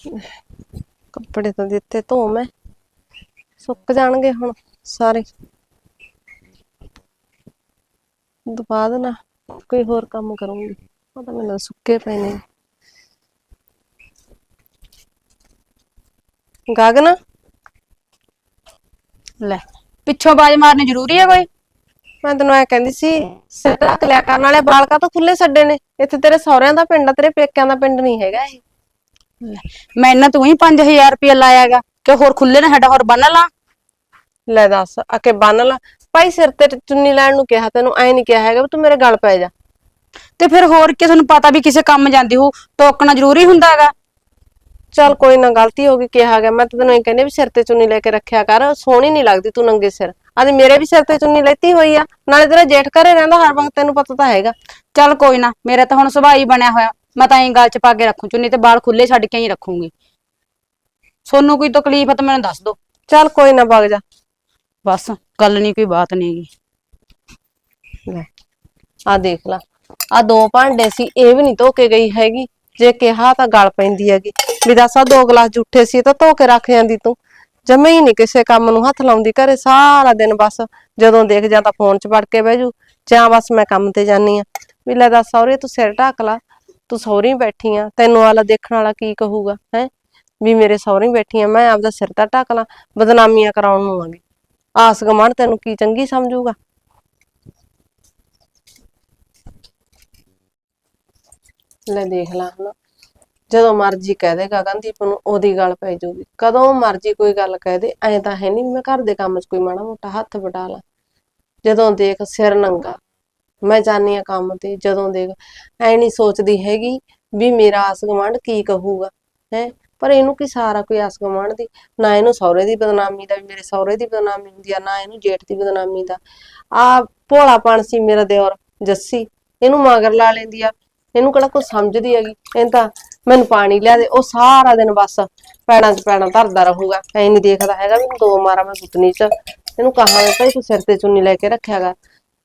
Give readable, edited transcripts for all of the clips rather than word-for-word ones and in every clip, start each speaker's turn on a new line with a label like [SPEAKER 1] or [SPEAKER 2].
[SPEAKER 1] ਕੱਪੜੇ ਤਾਂ ਦਿੱਤੇ ਧੋ ਮੈਂ, ਸੁੱਕ ਜਾਣਗੇ ਹੁਣ ਸਾਰੇ। ਦਬਾ ਦੇਣਾ, ਕੋਈ ਹੋਰ ਕੰਮ ਕਰੂੰਗੀ। ਉਹ ਤਾਂ ਮੈਨੂੰ ਸੁੱਕੇ ਪਏ ਨੇ। ਗਗਨ,
[SPEAKER 2] ਲੈ ਪਿੱਛੋਂ ਬਾਜ ਮਾਰਨੀ ਜ਼ਰੂਰੀ ਹੈ ਕੋਈ?
[SPEAKER 1] ਮੈਂ ਤੈਨੂੰ ਐ ਕਹਿੰਦੀ ਸੀ, ਸਿਰ ਢੱਕ ਲਿਆ ਕਰਨ ਵਾਲੇ ਵਾਲ ਕਾਹਤੋਂ ਖੁੱਲੇ ਛੱਡੇ ਨੇ? ਇੱਥੇ ਤੇਰੇ ਸਹੁਰਿਆਂ ਦਾ ਪਿੰਡ ਆ, ਤੇਰੇ ਪੇਕਿਆਂ ਦਾ ਪਿੰਡ ਨਹੀਂ ਹੈਗਾ ਇਹ।
[SPEAKER 2] ਮੈਂ ਇਹਨਾਂ ਤੂੰ ਹੀ 5000 ਰੁਪਇਆ ਲਾਇਆਗਾ ਕਿ ਹੋਰ ਖੁੱਲੇ ਨਾ ਸਾਡਾ ਹੋਰ ਬੰਨ ਲਾ।
[SPEAKER 1] ਲੈ ਦੱਸ, ਅਕੇ ਬੰਨ ਲਾ। ਭਾਈ ਸਿਰ ਤੇ ਚੁੰਨੀ ਲੈਣ ਨੂੰ ਕਿਹਾ, ਤੈਨੂੰ ਐ ਨਹੀਂ ਕਿਹਾ ਹੈਗਾ ਵੀ ਤੂੰ ਮੇਰੇ ਗਲ ਪੈ ਜਾ।
[SPEAKER 2] ਤੇ ਫਿਰ ਹੋਰ ਕੀ, ਤੁਹਾਨੂੰ ਪਤਾ ਵੀ ਕਿਸੇ ਕੰਮ ਜਾਂਦੀ ਹੋ, ਟੋਕਣਾ ਜ਼ਰੂਰੀ ਹੁੰਦਾ ਹੈਗਾ।
[SPEAKER 1] ਚੱਲ ਕੋਈ ਨਾ, ਗਲਤੀ ਹੋ ਗਈ, ਕਿਹਾ ਗਿਆ। ਮੈਂ ਤਾਂ ਤੈਨੂੰ ਇਹ ਕਹਿੰਦੀ ਵੀ ਸਿਰ ਤੇ ਚੁੰਨੀ ਲੈ ਕੇ ਰੱਖਿਆ ਕਰ, ਸੋਹਣੀ ਨੀ ਲੱਗਦੀ ਤੂੰ ਨੰਗੇ ਸਿਰ। ਅੱਜ ਮੇਰੇ ਵੀ ਸਿਰ ਤੇ ਚੁੰਨੀ ਲੈਤੀ ਹੋਈ ਆ, ਨਾਲੇ ਤੇਰਾ ਜੇਠ ਘਰੇ ਰਹਿੰਦਾ ਹਰ ਵਕਤ, ਤੈਨੂੰ ਪਤਾ ਤਾਂ ਹੈਗਾ।
[SPEAKER 2] ਚੱਲ ਕੋਈ ਨਾ, ਮੇਰਾ ਤਾਂ ਹੁਣ ਸੁਭਾਅ ਹੀ ਬਣਿਆ ਹੋਇਆ, ਮੈਂ ਤਾਂ ਐਂ ਗਲ ਚ ਪਾ ਕੇ ਰੱਖੂ ਚੁੰਨੀ, ਤੇ ਬਾਲ ਖੁੱਲੇ ਛੱਡ ਕੇ ਹੀ ਰੱਖੂੰਗੀ। ਸੋਨੂੰ ਕੋਈ ਤਕਲੀਫ ਹੈ ਤਾਂ ਮੈਨੂੰ ਦੱਸ ਦੋ।
[SPEAKER 1] ਚੱਲ ਕੋਈ ਨਾ, ਵਗ ਜਾ।
[SPEAKER 2] ਬਸ ਗੱਲ ਨੀ, ਕੋਈ ਬਾਤ ਨੀ ਗੀ।
[SPEAKER 1] ਲੈ ਆ ਦੇਖ ਲਾ, ਆ 2 ਭਾਂਡੇ ਸੀ, ਇਹ ਵੀ ਨੀ ਧੋ ਕੇ ਗਈ ਹੈਗੀ। ਜੇ ਕਿਹਾ ਤਾਂ ਗਲ ਪੈਂਦੀ ਹੈਗੀ ਵੀ ਦੱਸ, ਆ 2 ਗਲਾਸ ਜੂਠੇ ਸੀ ਤਾਂ ਧੋ ਕੇ ਰੱਖ ਜਾਂਦੀ ਤੂੰ। ਜਮੇ ਹੀ ਨੀ ਕਿਸੇ ਕੰਮ ਨੂੰ ਹੱਥ ਲਾਉਂਦੀ ਘਰੇ, ਸਾਰਾ ਦਿਨ ਬਸ ਜਦੋਂ ਦੇਖ ਜਾਂ ਤਾਂ ਫੋਨ 'ਚ ਵੜ ਕੇ ਬਹਿ ਜੂ, ਜਾਂ ਬਸ ਮੈਂ ਕੰਮ ਤੇ ਜਾਨੀ ਆ। ਵੀ ਲੈ ਦੱਸ ਸਹੁਰੇ, ਤੂੰ ਸਿਰ ਢੱਕ ਲਾ, ਤੂੰ ਸਹੁਰੀ ਬੈਠੀ ਆ, ਤੈਨੂੰ ਆਲਾ ਦੇਖਣ ਵਾਲਾ ਕੀ ਕਹੂਗਾ ਹੈ ਵੀ ਮੇਰੇ ਸਹੁਰੇ ਬੈਠੀ ਆ, ਮੈਂ ਆਪਦਾ ਸਿਰ ਤਾਂ ਢੱਕ ਲਾ। ਬਦਨਾਮੀਆਂ ਕਰਾਉਣ ਨੂੰ ਆਂਗੀ, ਆਸ ਗੁਆਂਢ ਤੈਨੂੰ ਕੀ ਚੰਗੀ ਸਮਝੂਗਾ। ਲੈ ਦੇਖ ਲਾ ਹਨਾ, ਜਦੋਂ ਮਰਜੀ ਕਹਿ ਦੇ ਗਗਨਦੀਪ ਨੂੰ, ਉਹਦੀ ਗੱਲ ਪੈ ਜਾਊਗੀ। ਕਦੋਂ ਮਰਜੀ ਕੋਈ ਗੱਲ ਕਹਿ ਦੇ, ਐਂ ਤਾਂ ਹੈ ਨੀ ਮੈਂ ਘਰ ਦੇ ਕੰਮ 'ਚ ਕੋਈ ਮਾੜਾ ਮੋਟਾ ਹੱਥ ਵਟਾ ਲਾ। ਜਦੋਂ ਦੇਖ ਸਿਰ ਨੰਗਾ, ਮੈਂ ਜਾਨੀ ਆ ਕੰਮ ਤੇ, ਜਦੋਂ ਦੇਖ ਐ ਨੀ ਸੋਚਦੀ ਹੈਗੀ ਵੀ ਮੇਰਾ ਆਸ ਗੁਆਂਢ ਕੀ ਕਹੂਗਾ ਹੈ। ਪਰ ਇਹਨੂੰ ਕੀ ਸਾਰਾ ਕੋਈ ਆਸ ਗੁਆਂਢ ਦੀ, ਨਾ ਇਹਨੂੰ ਸਹੁਰੇ ਦੀ ਬਦਨਾਮੀ ਦਾ ਵੀ ਮੇਰੇ ਸਹੁਰੇ ਦੀ ਬਦਨਾਮੀ ਹੁੰਦੀ ਆ, ਨਾ ਇਹਨੂੰ ਜੇਠ ਦੀ ਬਦਨਾਮੀ ਦਾ। ਆ ਭੋਲਾਪਣ ਸੀ ਮੇਰਾ ਦਿਓਰ ਜੱਸੀ, ਇਹਨੂੰ ਮਗਰ ਲਾ ਲੈਂਦੀ ਆ। ਇਹਨੂੰ ਕਿਹੜਾ ਕੁਛ ਸਮਝਦੀ ਹੈਗੀ, ਇਹ ਤਾਂ ਮੈਨੂੰ ਪਾਣੀ ਲਿਆ ਦੇ, ਉਹ ਸਾਰਾ ਦਿਨ ਬਸ ਪੈੜਾਂ 'ਚ ਪੈੜਾਂ ਧਰਦਾ ਰਹੂਗਾ। ਐ ਨੀ ਦੇਖਦਾ ਹੈਗਾ ਵੀ 2 ਮਾਰਾਂ ਮੈਂ ਗੁੱਤਨੀ 'ਚ। ਇਹਨੂੰ ਕਹਾਂ ਭਾਈ ਤੂੰ ਸਿਰ ਤੇ ਚੁੰਨੀ ਲੈ ਕੇ ਰੱਖਿਆ ਕਰ,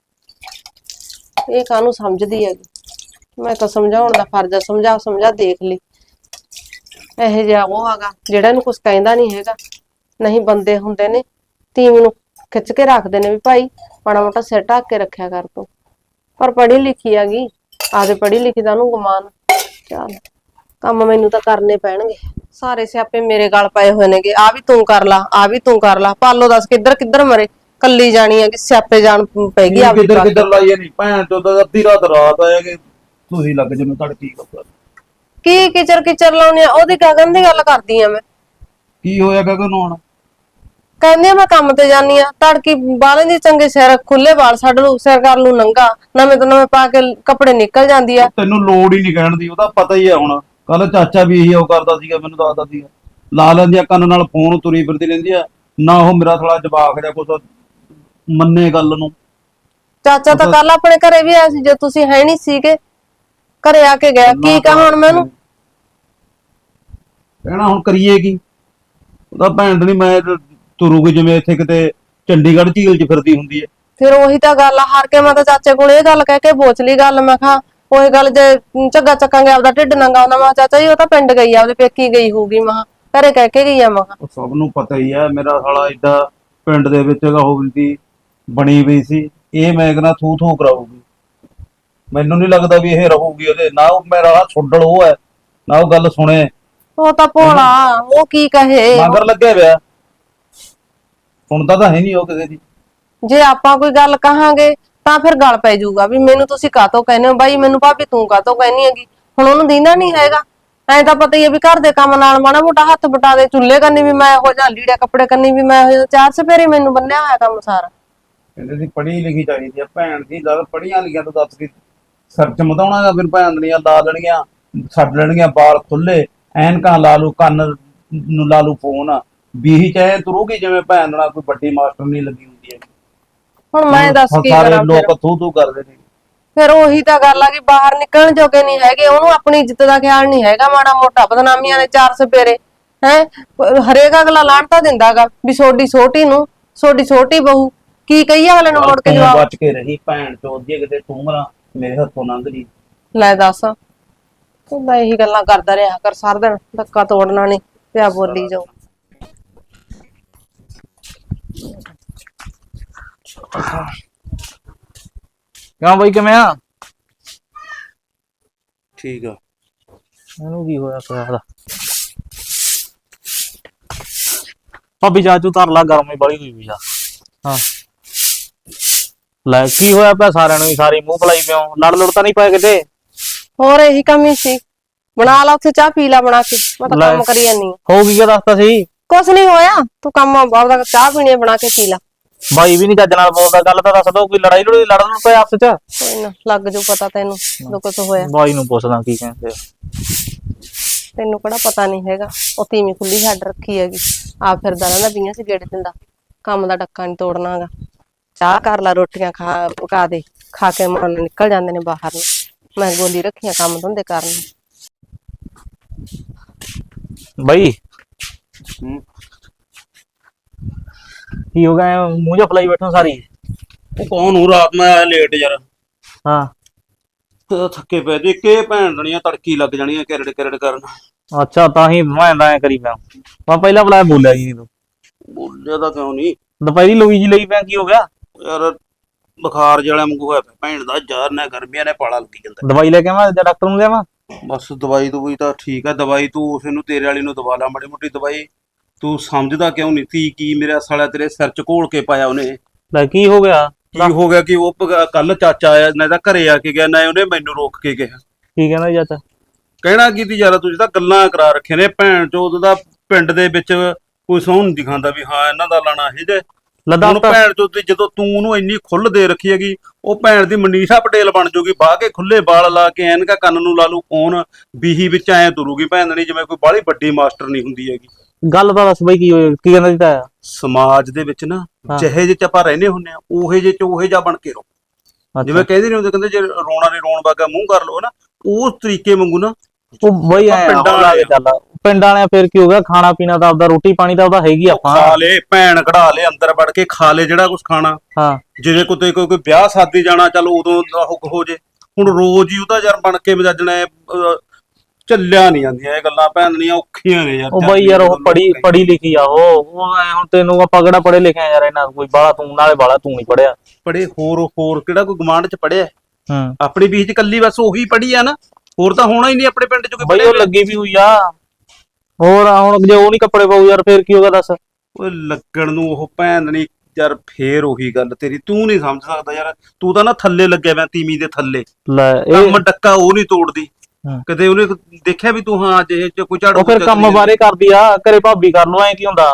[SPEAKER 1] ਇਹ ਕਾਹਨੂੰ ਸਮਝਦੀ ਹੈਗੀ। ਮੈਂ ਤਾਂ ਸਮਝਾਉਣ ਦਾ ਫਰਜ਼ ਆ, ਸਮਝਾ ਸਮਝਾ ਦੇਖ ਲਈ। ਇਹੋ ਜਿਹਾ ਉਹ ਹੈਗਾ ਜਿਹੜਾ ਇਹਨੂੰ ਕੁਛ ਕਹਿੰਦਾ ਨੀ ਹੈਗਾ। ਨਹੀਂ ਬੰਦੇ ਹੁੰਦੇ ਨੇ, ਤੀਵੀਂ ਨੂੰ ਖਿੱਚ ਕੇ ਰੱਖਦੇ ਨੇ ਵੀ ਭਾਈ ਮਾੜਾ ਮੋਟਾ ਸਿਰ ਢੱਕ ਕੇ ਰੱਖਿਆ ਕਰ ਤੂੰ। ਪਰ ਪੜ੍ਹੀ ਲਿਖੀ ਹੈਗੀ, ਆਪਦੇ ਪੜ੍ਹੀ ਲਿਖੀ ਦਾ ਉਹਨੂੰ ਗੁਮਾਨ। ਚੱਲ ਕੰਮ ਮੈਨੂੰ ਤਾਂ ਕਰਨੇ ਪੈਣਗੇ, ਸਾਰੇ ਸਿਆਪੇ ਮੇਰੇ ਗਲ ਪਏ ਹੋਏ ਨੇਗੇ। ਆ ਵੀ ਤੂੰ ਕਰ ਲਾ, ਆ ਵੀ ਤੂੰ ਕਰ ਲਾ, ਪਾਲੋ ਦੱਸ ਕਿੱਧਰ ਕਿੱਧਰ ਮਰੇ। ਕੱਲੀ ਜਾਣੀ ਹੈ ਕਿ ਸਿਆਪੇ ਜਾਣ ਪੈਗੀ
[SPEAKER 3] ਕੀ
[SPEAKER 1] ਆਪਦੀ
[SPEAKER 3] ਕਿੱਧਰ
[SPEAKER 1] ਪੱਗ।
[SPEAKER 3] ਕਿੱਧਰ ਲਾਈਏ ਨਹੀਂ ਭੈਣ ਚੋਦ, ਅੱਧੀ ਰਾਤ ਆਇਆ ਕਿ ਤੁਸੀਂ ਲੱਗ ਜਿਵੇਂ ਤੜਕੀ ਕੱਪੜਾ।
[SPEAKER 1] ਕੀ ਕਿਚਰ ਕਿਚਰ ਲਾਉਣੀ ਆ, ਉਹਦੀ ਗਗਨ ਦੀ ਗੱਲ ਕਰਦੀ ਆ ਮੈਂ।
[SPEAKER 3] ਕੀ ਹੋਇਆ ਗਗਨ ਨੂੰ ਹੁਣ?
[SPEAKER 1] ਕਹਿੰਦੀ ਆ ਮੈਂ ਕੰਮ ਤੇ ਜਾਨੀ ਆ, ਤੜਕੀ ਬਾਹਲੇ ਦੀ ਚੰਗੇ ਸਿਰ ਖੁੱਲੇ ਵਾਲ ਛੱਡ ਲੂ, ਸਿਰ ਕਰ ਲੂ ਨੰਗਾ, ਨਵੇਂ ਤੋਂ ਨਵੇਂ ਪਾ ਕੇ ਕੱਪੜੇ ਨਿਕਲ ਜਾਂਦੀ ਆ।
[SPEAKER 3] ਤੈਨੂੰ ਲੋੜ ਹੀ ਨਹੀਂ ਕਹਿਣ ਦੀ, ਉਹਦਾ ਪਤਾ ਹੀ ਹੈ ਹੁਣ। ਕੱਲ ਚਾਚਾ ਵੀ ਇਹੀ ਉਹ ਕਰਦਾ ਸੀਗਾ, ਮੈਨੂੰ ਦੱਸਦਾ ਸੀਗਾ। ਲਾ ਲੈਂਦੀ ਆ ਕੰਨ ਨਾਲ ਫੋਨ, ਤੁਰੀ ਫਿਰਦੀ ਰਹਿੰਦੀ ਆ। ਨਾ ਉਹ ਮੇਰਾ ਥੋੜਾ ਜਵਾਕ ਜਾਂ ਕੁਛ ਮੰਨੇ ਗੱਲ ਨੂੰ।
[SPEAKER 1] ਚਾਚਾ ਤਾਂ ਕੱਲ ਆਪਣੇ ਘਰੇ ਵੀ ਆਇਆ ਸੀ, ਜੇ ਤੁਸੀਂ ਹੈ ਨਹੀਂ ਸੀਗੇ, ਘਰੇ ਆ ਕੇ ਗਿਆ। ਕੀ
[SPEAKER 3] ਗੱਲਾਂ
[SPEAKER 1] ਕਹਾਂ
[SPEAKER 3] ਤਾਂ
[SPEAKER 1] ਹੁਣ ਮੈਂ ਉਹਨੂੰ?
[SPEAKER 3] ਕਹਿਣਾ ਹੁਣ ਕਰੀਏ ਕੀ? ਉਹਦਾ ਭੈਣ ਨਹੀਂ, ਮੈਂ ਤੁਰੂਗੀ ਜਿਵੇਂ ਇੱਥੇ ਕਿਤੇ ਚੰਡੀਗੜ੍ਹ ਝੀਲ 'ਚ ਫਿਰਦੀ ਹੁੰਦੀ ਹੈ।
[SPEAKER 1] ਫਿਰ ਉਹੀ ਤਾਂ ਗੱਲ ਆ, ਹਾਰ ਕੇ ਮੈਂ ਤਾਂ ਚਾਚੇ ਕੋਲ ਇਹ ਗੱਲ ਕਹਿ ਕੇ ਪੁੱਛ ਲਈ ਗੱਲ। ਮੈਂ ਕਿਹਾ ਉਹੀ ਗੱਲ, ਜੇ ਝੱਗਾ ਚੱਕਾਂਗੇ ਆਪਦਾ ਢਿੱਡ ਨੰਗਾ ਹੁੰਦਾ। ਮੈਂ ਚਾਚਾ ਜੀ ਉਹ ਤਾਂ ਪਿੰਡ ਗਈ ਆ, ਉਹਦੇ ਪੇਕੀ ਗਈ ਹੋਊਗੀ, ਮੈਂ ਘਰੇ ਕਹਿ ਕੇ ਗਈ ਆ। ਮੈਂ
[SPEAKER 3] ਉਹ ਸਭ ਨੂੰ ਪਤਾ ਹੀ ਹੈ, ਮੇਰਾ ਸਾਲਾ ਏਡਾ ਪਿੰਡ ਦੇ ਵਿੱਚ ਉਹ ਦੀ ਬਣੀ ਪਈ ਸੀ। ਇਹ ਮੈਂ ਕਹਿੰਦਾ ਥੂ ਥੂ ਕਰਾਊਗੀ। ਮੈਨੂੰ ਨਹੀਂ ਲੱਗਦਾ ਵੀ ਇਹ ਰਹੂਗੀ ਉਹਦੇ ਨਾ। ਉਹ ਮੇਰਾ ਛੁੱਡਲ ਉਹ ਹੈ, ਨਾ ਉਹ ਗੱਲ ਸੁਣੇ।
[SPEAKER 1] ਉਹ ਤਾਂ ਭੋਲਾ,
[SPEAKER 3] ਮੈਨੂੰ
[SPEAKER 1] ਉਹ ਕੀ ਕਹੇ।
[SPEAKER 3] ਮਗਰ ਲੱਗਿਆ ਪਿਆ, ਸੁਣਦਾ ਤਾਂ ਹੈ ਨਹੀਂ ਉਹ ਕਿਸੇ ਦੀ।
[SPEAKER 1] ਜੇ ਆਪਾਂ ਕੋਈ ਗੱਲ ਕਹਾਂਗੇ ਤਾਂ ਫਿਰ ਗੱਲ ਪੈ ਜਾਊਗਾ ਵੀ ਮੈਨੂੰ ਤੁਸੀਂ ਕਾਹਤੋਂ ਕਹਿੰਦੇ ਹੋ ਬਾਈ, ਮੈਨੂੰ ਭਾਬੀ ਤੂੰ ਕਾਹਤੋਂ ਕਹਿੰਦੀ ਹੈਗੀ। ਹੁਣ ਉਹਨੂੰ ਦੀਨਾ ਨੀ ਹੈਗਾ, ਐਂ ਤਾਂ ਪਤਾ ਹੀ ਹੈ ਵੀ ਘਰ ਦੇ ਕੰਮ ਨਾਲ ਮਾੜਾ ਮੋਟਾ ਹੱਥ ਬਟਾ ਦੇ। ਚੁੱਲ੍ਹੇ ਕੰਨੀ ਵੀ ਮੈਂ ਇਹੋ ਜਿਹਾ, ਲੀੜੇ ਕੱਪੜੇ ਕੰਨੀ ਵੀ ਮੈਂ ਇਹੋ ਜਿਹਾ, 4 ਚੁਫੇਰੇ ਮੈਨੂੰ ਬੰਨਿਆ ਹੋਇਆ ਕੰਮ ਸਾਰਾ।
[SPEAKER 3] ਕਹਿੰਦੇ ਸੀ ਪੜ੍ਹੀ ਲਿਖੀ ਚਾਹੀਦੀ ਆ ਭੈਣ ਦੀ। ਗੱਲ ਪੜ੍ਹੀਆਂ ਲਿਖੀਆਂ ਤੋਂ ਦੱਸ ਕੇ ਸਿਰ ਚ ਮਧਾਉਣਾ। ਫਿਰ ਭੈਣ ਦੀਆਂ ਲਾ ਲੈਣਗੀਆਂ, ਛੱਡ ਲੈਣਗੀਆਂ ਵਾਲ ਖੁੱਲੇ, ਐਨਕਾਂ ਲਾ ਲੂ, ਕੰਨ ਨੂੰ ਲਾ ਲੂ ਫੋਨ, ਬੀਹੀ ਚਾਹੇ ਤੁਰੂਗੀ ਜਿਵੇਂ ਭੈਣ ਨਾਲ ਕੋਈ ਵੱਡੀ ਮਾਸਟਰ ਨਹੀਂ ਲੱਗੀ ਹੁੰਦੀ ਹੈ।
[SPEAKER 1] ਹੁਣ ਮੈਂ ਦੱਸ
[SPEAKER 3] ਹੁਣ
[SPEAKER 1] ਕੀ
[SPEAKER 3] ਸਾਰੇ
[SPEAKER 1] ਕਰਾਂ ਫਿਰ?
[SPEAKER 3] ਲੋਕ ਥੂ ਥੂ ਕਰਦੇ ਨੇ।
[SPEAKER 1] ਫਿਰ ਉਹੀ ਤਾਂ ਗੱਲ ਆ ਕਿ ਬਾਹਰ ਨਿਕਲਣ ਜੋਗੇ ਨਹੀਂ ਹੈਗੇ, ਉਹਨੂੰ ਆਪਣੀ ਇੱਜ਼ਤ ਦਾ ਖਿਆਲ ਨਹੀਂ ਹੈਗਾ ਮਾੜਾ ਮੋਟਾ। ਬਦਨਾਮੀਆਂ ਨੇ 4 ਚੁਫੇਰੇ ਹੈ। ਹਰੇਕ ਅਗਲਾ ਲਾਹਣਤਾ ਦਿੰਦਾਗਾ ਵੀ ਸੋਡੀ ਛੋਟੀ ਨੂੰ, ਸੋਡੀ ਛੋਟੀ ਬਹੂ। ਕੀ ਕਹੀਏ ਅਗਲੇ ਨੂੰ
[SPEAKER 3] ਚੱਲ
[SPEAKER 1] ਮੁੜ ਕੇ
[SPEAKER 3] ਤੂੰ
[SPEAKER 1] ਜਵਾਬ?
[SPEAKER 3] ਬਚ ਕੇ ਰਹੀ ਭੈਣ ਚੋਦ ਦੀ, ਕਿਤੇ ਤੂੰ ਮਰਾ ਮੇਰੇ ਹੱਥੋਂ ਲੰਘ ਜੀ।
[SPEAKER 1] ਲੈ ਦੱਸ, ਤੂੰ ਮੈਂ ਇਹੀ ਗੱਲਾਂ ਕਰਦਾ ਰਿਹਾ ਕਰ ਸਾਰਾ ਦਿਨ, ਧੱਕਾ ਤੋੜਨਾ ਨਹੀਂ ਪਿਆ ਬੋਲੀ ਜਾਓ।
[SPEAKER 4] ਕਿਉਂ ਬਾਈ ਕਿਵੇਂ ਆ?
[SPEAKER 3] ਠੀਕ ਆ।
[SPEAKER 4] ਇਹਨੂੰ ਕੀ ਹੋਇਆ ਪਿਆ ਦਾ? ਭਾਬੀ ਚਾਚੂ ਧਰ ਲਾ, ਗਰਮੀ ਬੜੀ ਹੋਈ ਵੀ ਆ। ਹਾਂ ਲੈ ਕੀ ਹੋਇਆ ਪਿਆ ਸਾਰਿਆਂ ਨੂੰ ਹੀ, ਸਾਰੀ ਮੂੰਹ ਫਲਾਈ ਪਿਓ, ਲੜ ਲੜ ਤਾਂ ਨਹੀਂ ਪਏ ਕਿਤੇ?
[SPEAKER 1] ਹੋਰ ਇਹੀ ਕਮੀ ਸੀ, ਬਣਾ ਲਾ ਉੱਥੇ ਚਾਹ ਪੀ ਲਾ ਬਣਾ ਕੇ, ਮੈਂ ਤਾਂ
[SPEAKER 4] ਲੈ।
[SPEAKER 1] ਕੰਮ ਕਰੀ ਜਾਨੀ ਆ।
[SPEAKER 4] ਹੋ ਕੀ ਦੱਸਤਾ ਸੀ?
[SPEAKER 1] ਕੁਛ ਨਹੀਂ ਹੋਇਆ, ਤੂੰ ਕੰਮ ਆਪਦਾ ਚਾਹ ਪੀਣੀ ਆ, ਬਣਾ ਕੇ ਪੀ ਲਾ।
[SPEAKER 4] ਬਾਈ ਵੀ ਨਹੀਂ ਚੱਜ ਨਾਲ ਬੋਲਦਾ, ਗੱਲ ਤਾਂ ਦੱਸ ਦੋ, ਕੋਈ ਲੜਾਈ ਲੜੂਈ ਲੜਨ ਨੂੰ ਪਏ ਆਪਸ ਚ?
[SPEAKER 1] ਕੋਈ ਨਾ ਲੱਗ ਜੂ ਪਤਾ ਤੈਨੂੰ ਜਦੋਂ ਕੁਛ ਹੋਇਆ।
[SPEAKER 4] ਬਾਈ ਨੂੰ ਪੁੱਛਦਾ ਕੀ ਕਹਿੰਦੇ ਆ।
[SPEAKER 1] ਤੈਨੂੰ ਕਿਹੜਾ ਪਤਾ ਨਹੀਂ ਹੈਗਾ, ਉਹ ਤੀਵੀਂ ਖੁੱਲੀ ਛੱਡ ਰੱਖੀ ਹੈਗੀ, ਆ ਫਿਰਦਾ ਰਹਿੰਦਾ ਬੀਆਂ ਚ ਗੇੜੇ ਦਿੰਦਾ, ਕੰਮ ਦਾ ਡੱਕਾ ਨਹੀਂ ਤੋੜਨਾਗਾ। ਚਾਹ ਕਰ ਲਾ, ਰੋਟੀਆਂ ਖਾ ਪਕਾ ਦੇ, ਖਾ ਕੇ ਮਨ ਨਿਕਲ ਜਾਂਦੇ ਨੇ ਬਾਹਰ ਨੂੰ। ਮੈਂ ਗੋਲੀ ਰੱਖੀਆਂ ਕੰਮ ਧੰਦੇ ਕਰਨ।
[SPEAKER 4] ਬਾਈ ਕੀ ਹੋ ਗਿਆ, ਮੂੰਹ ਜਿਹਾ ਫਲਾਈ ਬੈਠੋ ਸਾਰੀ?
[SPEAKER 3] ਉਹ ਕੌਣ ਨੂੰ, ਰਾਤ ਮੈਂ ਆਇਆ ਲੇਟ ਯਾਰ,
[SPEAKER 4] ਹਾਂ
[SPEAKER 3] ਤੇ ਥੱਕੇ ਪਏ ਦੇ ਕੇ ਭੈਣ ਦਣੀਆਂ ਤੜਕੀ ਲੱਗ ਜਾਣੀਆਂ ਕਿਰੜ ਕਿਰੜ ਕਰਨ।
[SPEAKER 4] ਅੱਛਾ, ਤਾਂ ਹੀ ਮੈਂ ਐਂ ਕਰੀ ਪਿਆ। ਮੈਂ ਪਹਿਲਾਂ ਬੁਲਾਇਆ, ਬੋਲਿਆ ਜੀ ਤੂੰ।
[SPEAKER 3] ਬੋਲਿਆ ਤਾਂ ਕਿਉਂ ਨਹੀਂ
[SPEAKER 4] ਦੁਪਹਿਰੀ ਲੋਈ ਜੀ ਲਈ ਪਿਆ, ਕੀ ਹੋ ਗਿਆ?
[SPEAKER 3] ਯਾਰ, ਬੁਖਾਰ ਜਿਹੜਾ ਵਾਂਗੂ ਹੋਇਆ ਪਿਆ ਭੈਣ ਦਾ, ਜ਼ਹਿਰ ਨੇ ਗਰਮੀਆਂ ਨੇ ਪਾਲਾ ਲੱਗੀ ਜਾਂਦਾ।
[SPEAKER 4] ਦਵਾਈ ਲੈ ਕੇ ਆਵਾਂ ਜਾਂ ਡਾਕਟਰ ਨੂੰ ਲਿਆਵਾਂ?
[SPEAKER 3] ਬਸ ਦਵਾਈ ਦਵਾਈ ਤਾਂ ਠੀਕ ਆ, ਦਵਾਈ ਤੂੰ ਉਸ ਨੂੰ ਤੇਰੇ ਵਾਲੀ ਨੂੰ ਦਵਾ ਲਾ ਮਾੜੀ ਮੋਟੀ ਦਵਾਈ। ਤੂੰ ਸਮਝਦਾ ਕਿਉਂ ਨਹੀਂ ਤੀ ਕੀ ਮੇਰਾ ਸਾਲਾ ਤੇਰੇ ਸਿਰ ਚ ਘੋਲ ਕੇ ਪਾਇਆ ਉਹਨੇ?
[SPEAKER 4] ਲੈ ਕੀ ਹੋ ਗਿਆ?
[SPEAKER 3] ਕੀ ਹੋ ਗਿਆ ਕਿ ਉਹ ਕੱਲ ਚਾਚਾ ਆਇਆ, ਨਾ ਤਾਂ ਘਰੇ ਆ ਕੇ ਗਿਆ, ਨਾ ਉਹਨੇ ਮੈਨੂੰ ਰੋਕ ਕੇ ਗਿਆ।
[SPEAKER 4] ਕੀ ਕਹਿੰਦਾ ਚਾਚਾ?
[SPEAKER 3] ਕਹਿਣਾ ਕੀ ਤੀ ਯਾਰ, ਤੁਸੀਂ ਤਾਂ ਗੱਲਾਂ ਕਰਾ ਰੱਖੀਆਂ ਨੇ ਭੈਣ ਚੋਦ ਦਾ। ਪਿੰਡ ਦੇ ਵਿੱਚ ਕੋਈ ਸਹੁੰ ਨਹੀਂ ਦਿਖਾਉਂਦਾ ਵੀ ਹਾਂ ਇਹਨਾਂ ਦਾ ਲਾਣਾ ਇਹ ਜੇ। ਹੁਣ ਭੈਣ ਚੋਦ ਦੀ ਜਦੋਂ ਤੂੰ ਉਹਨੂੰ ਇੰਨੀ ਖੁੱਲ ਦੇ ਰੱਖੀ ਹੈਗੀ, ਉਹ ਭੈਣ ਦੀ ਮਨੀਸ਼ਾ ਪਟੇਲ ਬਣ ਜੂਗੀ, ਬਾਹ ਕੇ ਖੁੱਲੇ ਵਾਲ ਲਾ ਕੇ ਐਨਕਾ ਕੰਨ ਨੂੰ ਲਾ ਲੂ ਫੋਨ, ਬੀਹੀ ਵਿੱਚ ਐ ਤੁਰੂਗੀ ਭੈਣ ਨਹੀਂ ਜਿਵੇਂ ਕੋਈ ਬਾਹਲੀ ਵੱਡੀ ਮਾਸਟਰ ਨਹੀਂ ਹੁੰਦੀ ਹੈਗੀ।
[SPEAKER 4] ਗੱਲ ਤਾਂ ਦੱਸ ਬਈ, ਕੀ ਹੋਇਆ? ਕੀ ਕਹਿੰਦਾ ਸੀ ਤਾਇਆ?
[SPEAKER 3] ਸਮਾਜ ਦੇ ਵਿੱਚ ਨਾ ਜਿਹੇ ਜਿਹੇ ਚ ਆਪਾਂ ਰਹਿੰਦੇ ਹੁੰਨੇ ਆ, ਉਹੇ ਜਿਹੇ ਚ ਉਹੇ ਜਾ ਬਣ ਕੇ ਰਹੋ। ਜਿਵੇਂ ਕਹਿੰਦੇ ਨਹੀਂ ਹੁੰਦੇ, ਕਹਿੰਦੇ ਜੇ ਰੋਣਾ ਨਹੀਂ ਰੋਣ ਵਰਗਾ ਮੂੰਹ ਕਰ ਲਓ ਨਾ, ਉਸ ਤਰੀਕੇ ਵਾਂਗੂ ਨਾ
[SPEAKER 4] ਉਹ ਬਈ ਪਿੰਡਾਂ ਵਾਲੇ ਚੱਲ, ਪਿੰਡਾਂ ਵਾਲਿਆਂ ਫਿਰ ਕੀ ਹੋ ਗਿਆ? ਖਾਣਾ ਪੀਣਾ ਤਾਂ ਆਪਦਾ, ਰੋਟੀ ਪਾਣੀ ਤਾਂ ਉਹਦਾ ਹੈਗੀ, ਆਪਾਂ
[SPEAKER 3] ਖਾ ਲੇ, ਭੈਣ ਕਢਾ ਲੇ, ਅੰਦਰ ਵੜ ਕੇ ਖਾ ਲੇ ਜਿਹੜਾ ਕੁਝ ਖਾਣਾ।
[SPEAKER 4] ਹਾਂ
[SPEAKER 3] ਜਿਵੇਂ ਕੋਈ ਵਿਆਹ ਸ਼ਾਦੀ ਜਾਣਾ, ਚੱਲ ਉਦੋਂ ਹੋ ਜੇ। ਹੁਣ ਰੋਜ਼ ਹੀ ਉਹਦਾ ਯਾਰ ਬਣ ਕੇ ਮਜਾਜਣਾ, ਚੱਲਿਆ ਨਹੀਂ ਜਾਂਦੀਆਂ ਇਹ ਗੱਲਾਂ ਭੈਣ ਦੀਆਂ, ਔਖੀਆਂ ਨੇ ਯਾਰ।
[SPEAKER 4] ਉਹ ਬਈ ਯਾਰ, ਉਹ ਪੜੀ ਲਿਖੀ ਆ, ਉਹ ਐ ਹੁਣ ਤੈਨੂੰ ਆਪਾਂ ਕਿਹੜਾ ਪੜੇ ਲਿਖੇ ਆ ਯਾਰ, ਇਹਨਾਂ ਕੋਈ ਬਾਲਾ ਤੂੰ ਨਾਲੇ ਬਾਲਾ ਤੂੰ ਨਹੀਂ ਪੜਿਆ।
[SPEAKER 3] ਪੜੇ ਹੋਰ ਕਿਹੜਾ ਕੋਈ ਗਵਾਂਢ ਚ ਪੜਿਆ?
[SPEAKER 4] ਹੂੰ,
[SPEAKER 3] ਆਪਣੀ ਬੀਚ ਕੱਲੀ ਬਸ ਉਹੀ ਪੜੀ ਆ ਨਾ, ਹੋਰ ਤਾਂ ਹੋਣਾ ਹੀ ਨਹੀਂ ਆਪਣੇ ਪਿੰਡ ਚ ਕੋਈ
[SPEAKER 4] ਬਈ। ਉਹ ਲੱਗੀ ਵੀ ਹੋਈ ਆ, ਹੋਰ ਹੁਣ ਜੇ ਉਹ ਨਹੀਂ ਕੱਪੜੇ ਪਾਉ ਯਾਰ, ਫੇਰ ਕੀ ਹੋਗਾ ਦੱਸ?
[SPEAKER 3] ਉਹ ਲੱਗਣ ਨੂੰ ਉਹ ਭੈਣ ਨਹੀਂ ਯਾਰ, ਫੇਰ ਉਹੀ ਗੱਲ ਤੇਰੀ, ਤੂੰ ਨਹੀਂ ਸਮਝ ਸਕਦਾ ਯਾਰ। ਤੂੰ ਤਾਂ ਨਾ ਥੱਲੇ ਲੱਗਿਆ ਪਿਆ, ਤੀਵੀਂ ਦੇ ਥੱਲੇ।
[SPEAKER 4] ਲੈ
[SPEAKER 3] ਕੰਮ ਡੱਕਾ ਉਹ ਨਹੀਂ ਤੋੜਦੀ
[SPEAKER 4] ਹਾਂ।
[SPEAKER 3] ਕਦੇ ਉਹਨੇ ਦੇਖਿਆ ਵੀ ਤੂੰ ਹਾਂ ਜੇ ਕੋਈ ਝਾੜੂ
[SPEAKER 4] ਉਹ ਫਿਰ ਕੰਮ ਬਾਰੇ ਕਰਦੀ ਆ, ਘਰੇ ਭਾਬੀ ਕਰ ਲੋ, ਐ ਕੀ ਹੁੰਦਾ?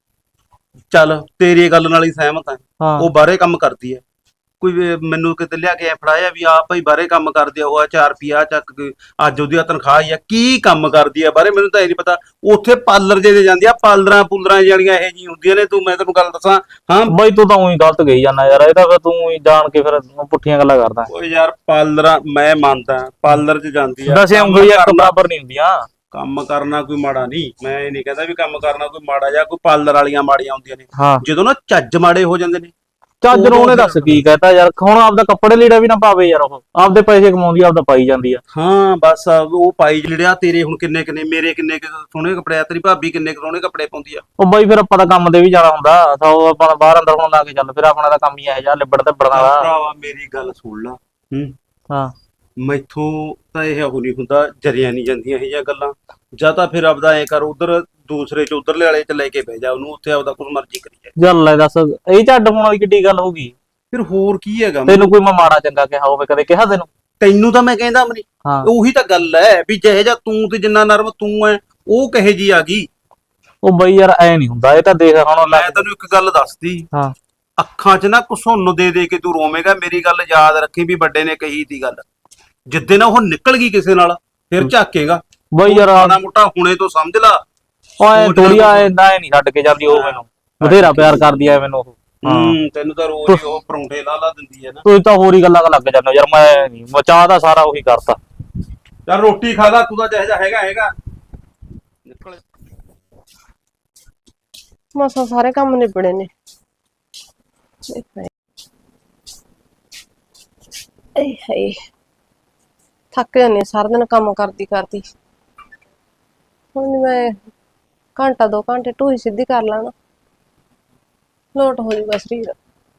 [SPEAKER 3] ਚੱਲ ਤੇਰੀ ਗੱਲ ਨਾਲ ਹੀ ਸਹਿਮਤ ਆ,
[SPEAKER 4] ਹਾਂ
[SPEAKER 3] ਉਹ ਬਾਹਰੇ ਕੰਮ ਕਰਦੀ ਹੈ। ਕੋਈ ਮੈਨੂੰ ਕਿਤੇ ਲਿਆ ਕੇ ਫੜਾਇਆ ਵੀ ਆ ਭਾਈ ਬਾਹਰੇ ਕੰਮ ਕਰਦੀ ਆ, ਉਹ 4 ਰੁਪਿਆ ਚੱਕ ਕੇ, ਅੱਜ ਉਹਦੀ ਤਨਖਾਹ ਹੀ ਆ, ਕੀ ਕੰਮ ਕਰਦੀ ਆ ਬਾਹਰੇ ਮੈਨੂੰ ਤਾਂ ਇਹ ਨਹੀਂ ਪਤਾ। ਉੱਥੇ ਪਾਰਲਰ ਜੇ ਜਾਂਦੀ ਆ, ਪਾਰਲਰਾਂ ਪੂਲਰਾਂ ਜਿਹੜੀਆਂ ਇਹੋ ਜਿਹੀਆਂ ਹੁੰਦੀਆਂ ਨੇ, ਤੂੰ ਮੈਂ ਤੈਨੂੰ ਗੱਲ ਦੱਸਾਂ। ਹਾਂ
[SPEAKER 4] ਬਈ ਤੂੰ ਤਾਂ ਉਹੀ ਗਲਤ ਗਈ ਜਾਂਦਾ ਯਾਰ, ਇਹ ਤਾਂ ਫਿਰ ਤੂੰ ਹੀ ਜਾਣ ਕੇ ਫਿਰ ਪੁੱਠੀਆਂ ਗੱਲਾਂ ਕਰਦਾ।
[SPEAKER 3] ਓਏ ਯਾਰ ਪਾਰਲਰਾਂ ਮੈਂ ਮੰਨਦਾ, ਪਾਰਲਰ 'ਚ ਜਾਂਦੀ ਆ,
[SPEAKER 4] ਵੈਸੇ ਉਂਗਲੀਆਂ ਇੱਕ ਬਰਾਬਰ ਨਹੀਂ ਹੁੰਦੀਆਂ।
[SPEAKER 3] ਕੰਮ ਕਰਨਾ ਕੋਈ ਮਾੜਾ ਨਹੀਂ, ਮੈਂ ਇਹ ਨਹੀਂ ਕਹਿੰਦਾ ਵੀ ਕੰਮ ਕਰਨਾ ਕੋਈ ਮਾੜਾ, ਜਾਂ ਕੋਈ ਪਾਰਲਰ ਵਾਲੀਆਂ ਮਾੜੀਆਂ ਹੁੰਦੀਆਂ ਨੇ।
[SPEAKER 4] ਹਾਂ,
[SPEAKER 3] ਜਦੋਂ ਨਾ ਚੱਜ ਮਾੜੇ ਹੋ ਜਾਂਦੇ ਨੇ।
[SPEAKER 4] ਚੱਜ ਨੂੰ ਉਹਨੇ ਦੱਸ ਕੀ ਕਹਤਾ ਯਾਰ, ਹੁਣ ਆਪਦਾ ਕੱਪੜੇ ਲੀੜਾ ਵੀ ਨਾ ਪਾਵੇ ਯਾਰ, ਉਹ ਆਪਦੇ ਪੈਸੇ ਕਮਾਉਂਦੀ, ਆਪਦਾ ਪਾਈ ਜਾਂਦੀ ਆ।
[SPEAKER 3] ਹਾਂ ਬਸ ਉਹ ਪਾਈ ਜਿਹੜਿਆ ਤੇਰੇ ਹੁਣ ਕਿੰਨੇ ਮੇਰੇ ਕਿੰਨੇ ਸੋਹਣੇ ਕੱਪੜੇ ਆ, ਤੇਰੀ ਭਾਬੀ ਕਿੰਨੇ ਸੋਹਣੇ ਕੱਪੜੇ ਪਾਉਂਦੀ ਆ।
[SPEAKER 4] ਉਹ ਬਾਈ ਫਿਰ ਆਪਾਂ ਤਾਂ ਕੰਮ ਤੇ ਵੀ ਜਾਣਾ ਹੁੰਦਾ, ਤਾਂ ਉਹ ਆਪਾਂ ਬਾਹਰ ਅੰਦਰ ਹੁਣ ਲਾ ਕੇ ਚੱਲ, ਫਿਰ ਆਪਣਾ ਤਾਂ ਕੰਮ ਹੀ ਇਹ ਜਾ ਲਿਬੜ ਤੇ ਬੜਨਾ ਦਾ।
[SPEAKER 3] ਭਰਾਵਾ ਮੇਰੀ ਗੱਲ ਸੁਣ ਲਾ,
[SPEAKER 4] ਹਾਂ
[SPEAKER 3] ਮੈਥੋਂ ਤਾਂ ਇਹ ਉਹ ਨਹੀਂ ਹੁੰਦਾ, ਜਰੀਆਂ ਨਹੀਂ ਜਾਂਦੀਆਂ ਇਹ ਜਿਹੀਆਂ ਗੱਲਾਂ। ਜਾਂ ਤਾਂ ਫਿਰ ਆਪਦਾ ਐ ਕਰ, ਉਧਰ ਦੂਸਰੇ ਚ ਉਧਰਲੇ ਵਾਲੇ ਚ ਲੈ ਕੇ ਬਹਿ ਜਾ ਉਹਨੂੰ, ਉੱਥੇ ਆਪਦਾ ਕੁਝ ਮਰਜ਼ੀ ਕਰੀ ਜਾ।
[SPEAKER 4] ਚੱਲ ਲੈ ਦੱਸ, ਇਹ ਝੱਡ ਹੋਣ ਵਾਲੀ ਕਿੱਡੀ ਗੱਲ ਹੋਊਗੀ?
[SPEAKER 3] ਫਿਰ ਹੋਰ ਕੀ ਹੈਗਾ?
[SPEAKER 4] ਤੈਨੂੰ ਕੋਈ ਮੈਂ ਮਾੜਾ ਚੰਗਾ ਕਿਹਾ ਹੋਵੇ ਕਦੇ? ਕਿਹਾ
[SPEAKER 3] ਤੈਨੂੰ ਤਾਂ ਮੈਂ ਕਹਿੰਦਾ ਮਨੀ,
[SPEAKER 4] ਹਾਂ
[SPEAKER 3] ਉਹੀ ਤਾਂ ਗੱਲ ਹੈ ਵੀ ਜਿਹੇ ਜਾ ਤੂੰ ਤੇ ਜਿੰਨਾ ਨਰਮ ਤੂੰ ਐ, ਉਹ ਕਹੇ ਜੀ ਆ ਗਈ।
[SPEAKER 4] ਉਹ ਬਈ ਯਾਰ ਐ ਨਹੀਂ ਹੁੰਦਾ, ਇਹ ਤਾਂ ਦੇਖ ਹੁਣ
[SPEAKER 3] ਮੈਂ ਤੈਨੂੰ ਇੱਕ ਗੱਲ ਦੱਸਦੀ,
[SPEAKER 4] ਹਾਂ
[SPEAKER 3] ਅੱਖਾਂ 'ਚ ਨਾ ਘੁਸੁੰਨ ਦੇ ਕੇ ਤੂੰ ਰੋਵੇਂਗਾ। ਮੇਰੀ ਗੱਲ ਯਾਦ ਰੱਖੀ ਵੀ ਵੱਡੇ ਨੇ ਕਹੀ ਤੀ ਗੱਲ, ਜਿੱਦੇ ਨਾ ਉਹ ਨਿਕਲ ਗਈ ਕਿਸੇ ਨਾਲ ਫਿਰ ਝਾਕੇਗਾ।
[SPEAKER 4] ਬਈ ਯਾਰ
[SPEAKER 3] ਮਾੜਾ ਮੋਟਾ ਹੁਣੇ ਤੋਂ ਸਮਝ ਲਾ।
[SPEAKER 4] ਓਏ ਥੋੜੀ ਐ ਨਹੀਂ ਛੱਡ ਕੇ ਜਾਂਦੀ ਉਹ ਮੈਨੂੰ, ਬਥੇਰਾ ਪਿਆਰ ਕਰਦੀ ਐ ਮੈਨੂੰ ਉਹ।
[SPEAKER 3] ਤੈਨੂੰ ਤਾਂ ਰੋਜ਼ ਹੀ ਉਹ ਪਰੌਂਠੇ ਲਾ ਦਿੰਦੀ ਹੈ ਨਾ।
[SPEAKER 4] ਤੂੰ ਤਾਂ ਹੋਰ ਹੀ ਗੱਲਾਂ ਲੱਗ ਜਾਂਦਾ ਯਾਰ, ਮੈਂ ਨਹੀਂ ਮਚਾ ਦਾ ਸਾਰਾ ਉਹੀ ਕਰਤਾ।
[SPEAKER 3] ਚੱਲ ਰੋਟੀ ਖਾ ਲੈ, ਤੂੰ ਤਾਂ ਜਿਹੋ ਜਿਹਾ ਹੈਗਾ ਨਿਕਲ।
[SPEAKER 1] ਮਸਾਂ ਸਾਰੇ ਕੰਮ ਨਿਬੜੇ ਨੇ। ਏ ਹਾਏ, ਥੱਕ ਜਾਂਦੀ ਹਾਂ ਸਾਰਾ ਦਿਨ ਕੰਮ ਕਰਦੀ ਕਰਦੀ। ਹੁਣ ਮੈਂ ਘੰਟਾ 2 ਘੰਟੇ ਢੂਹੀ ਸਿੱਧੀ ਕਰ ਲੈਣਾ, ਲੋਟ ਹੋ ਜੂਗਾ ਸਰੀਰ।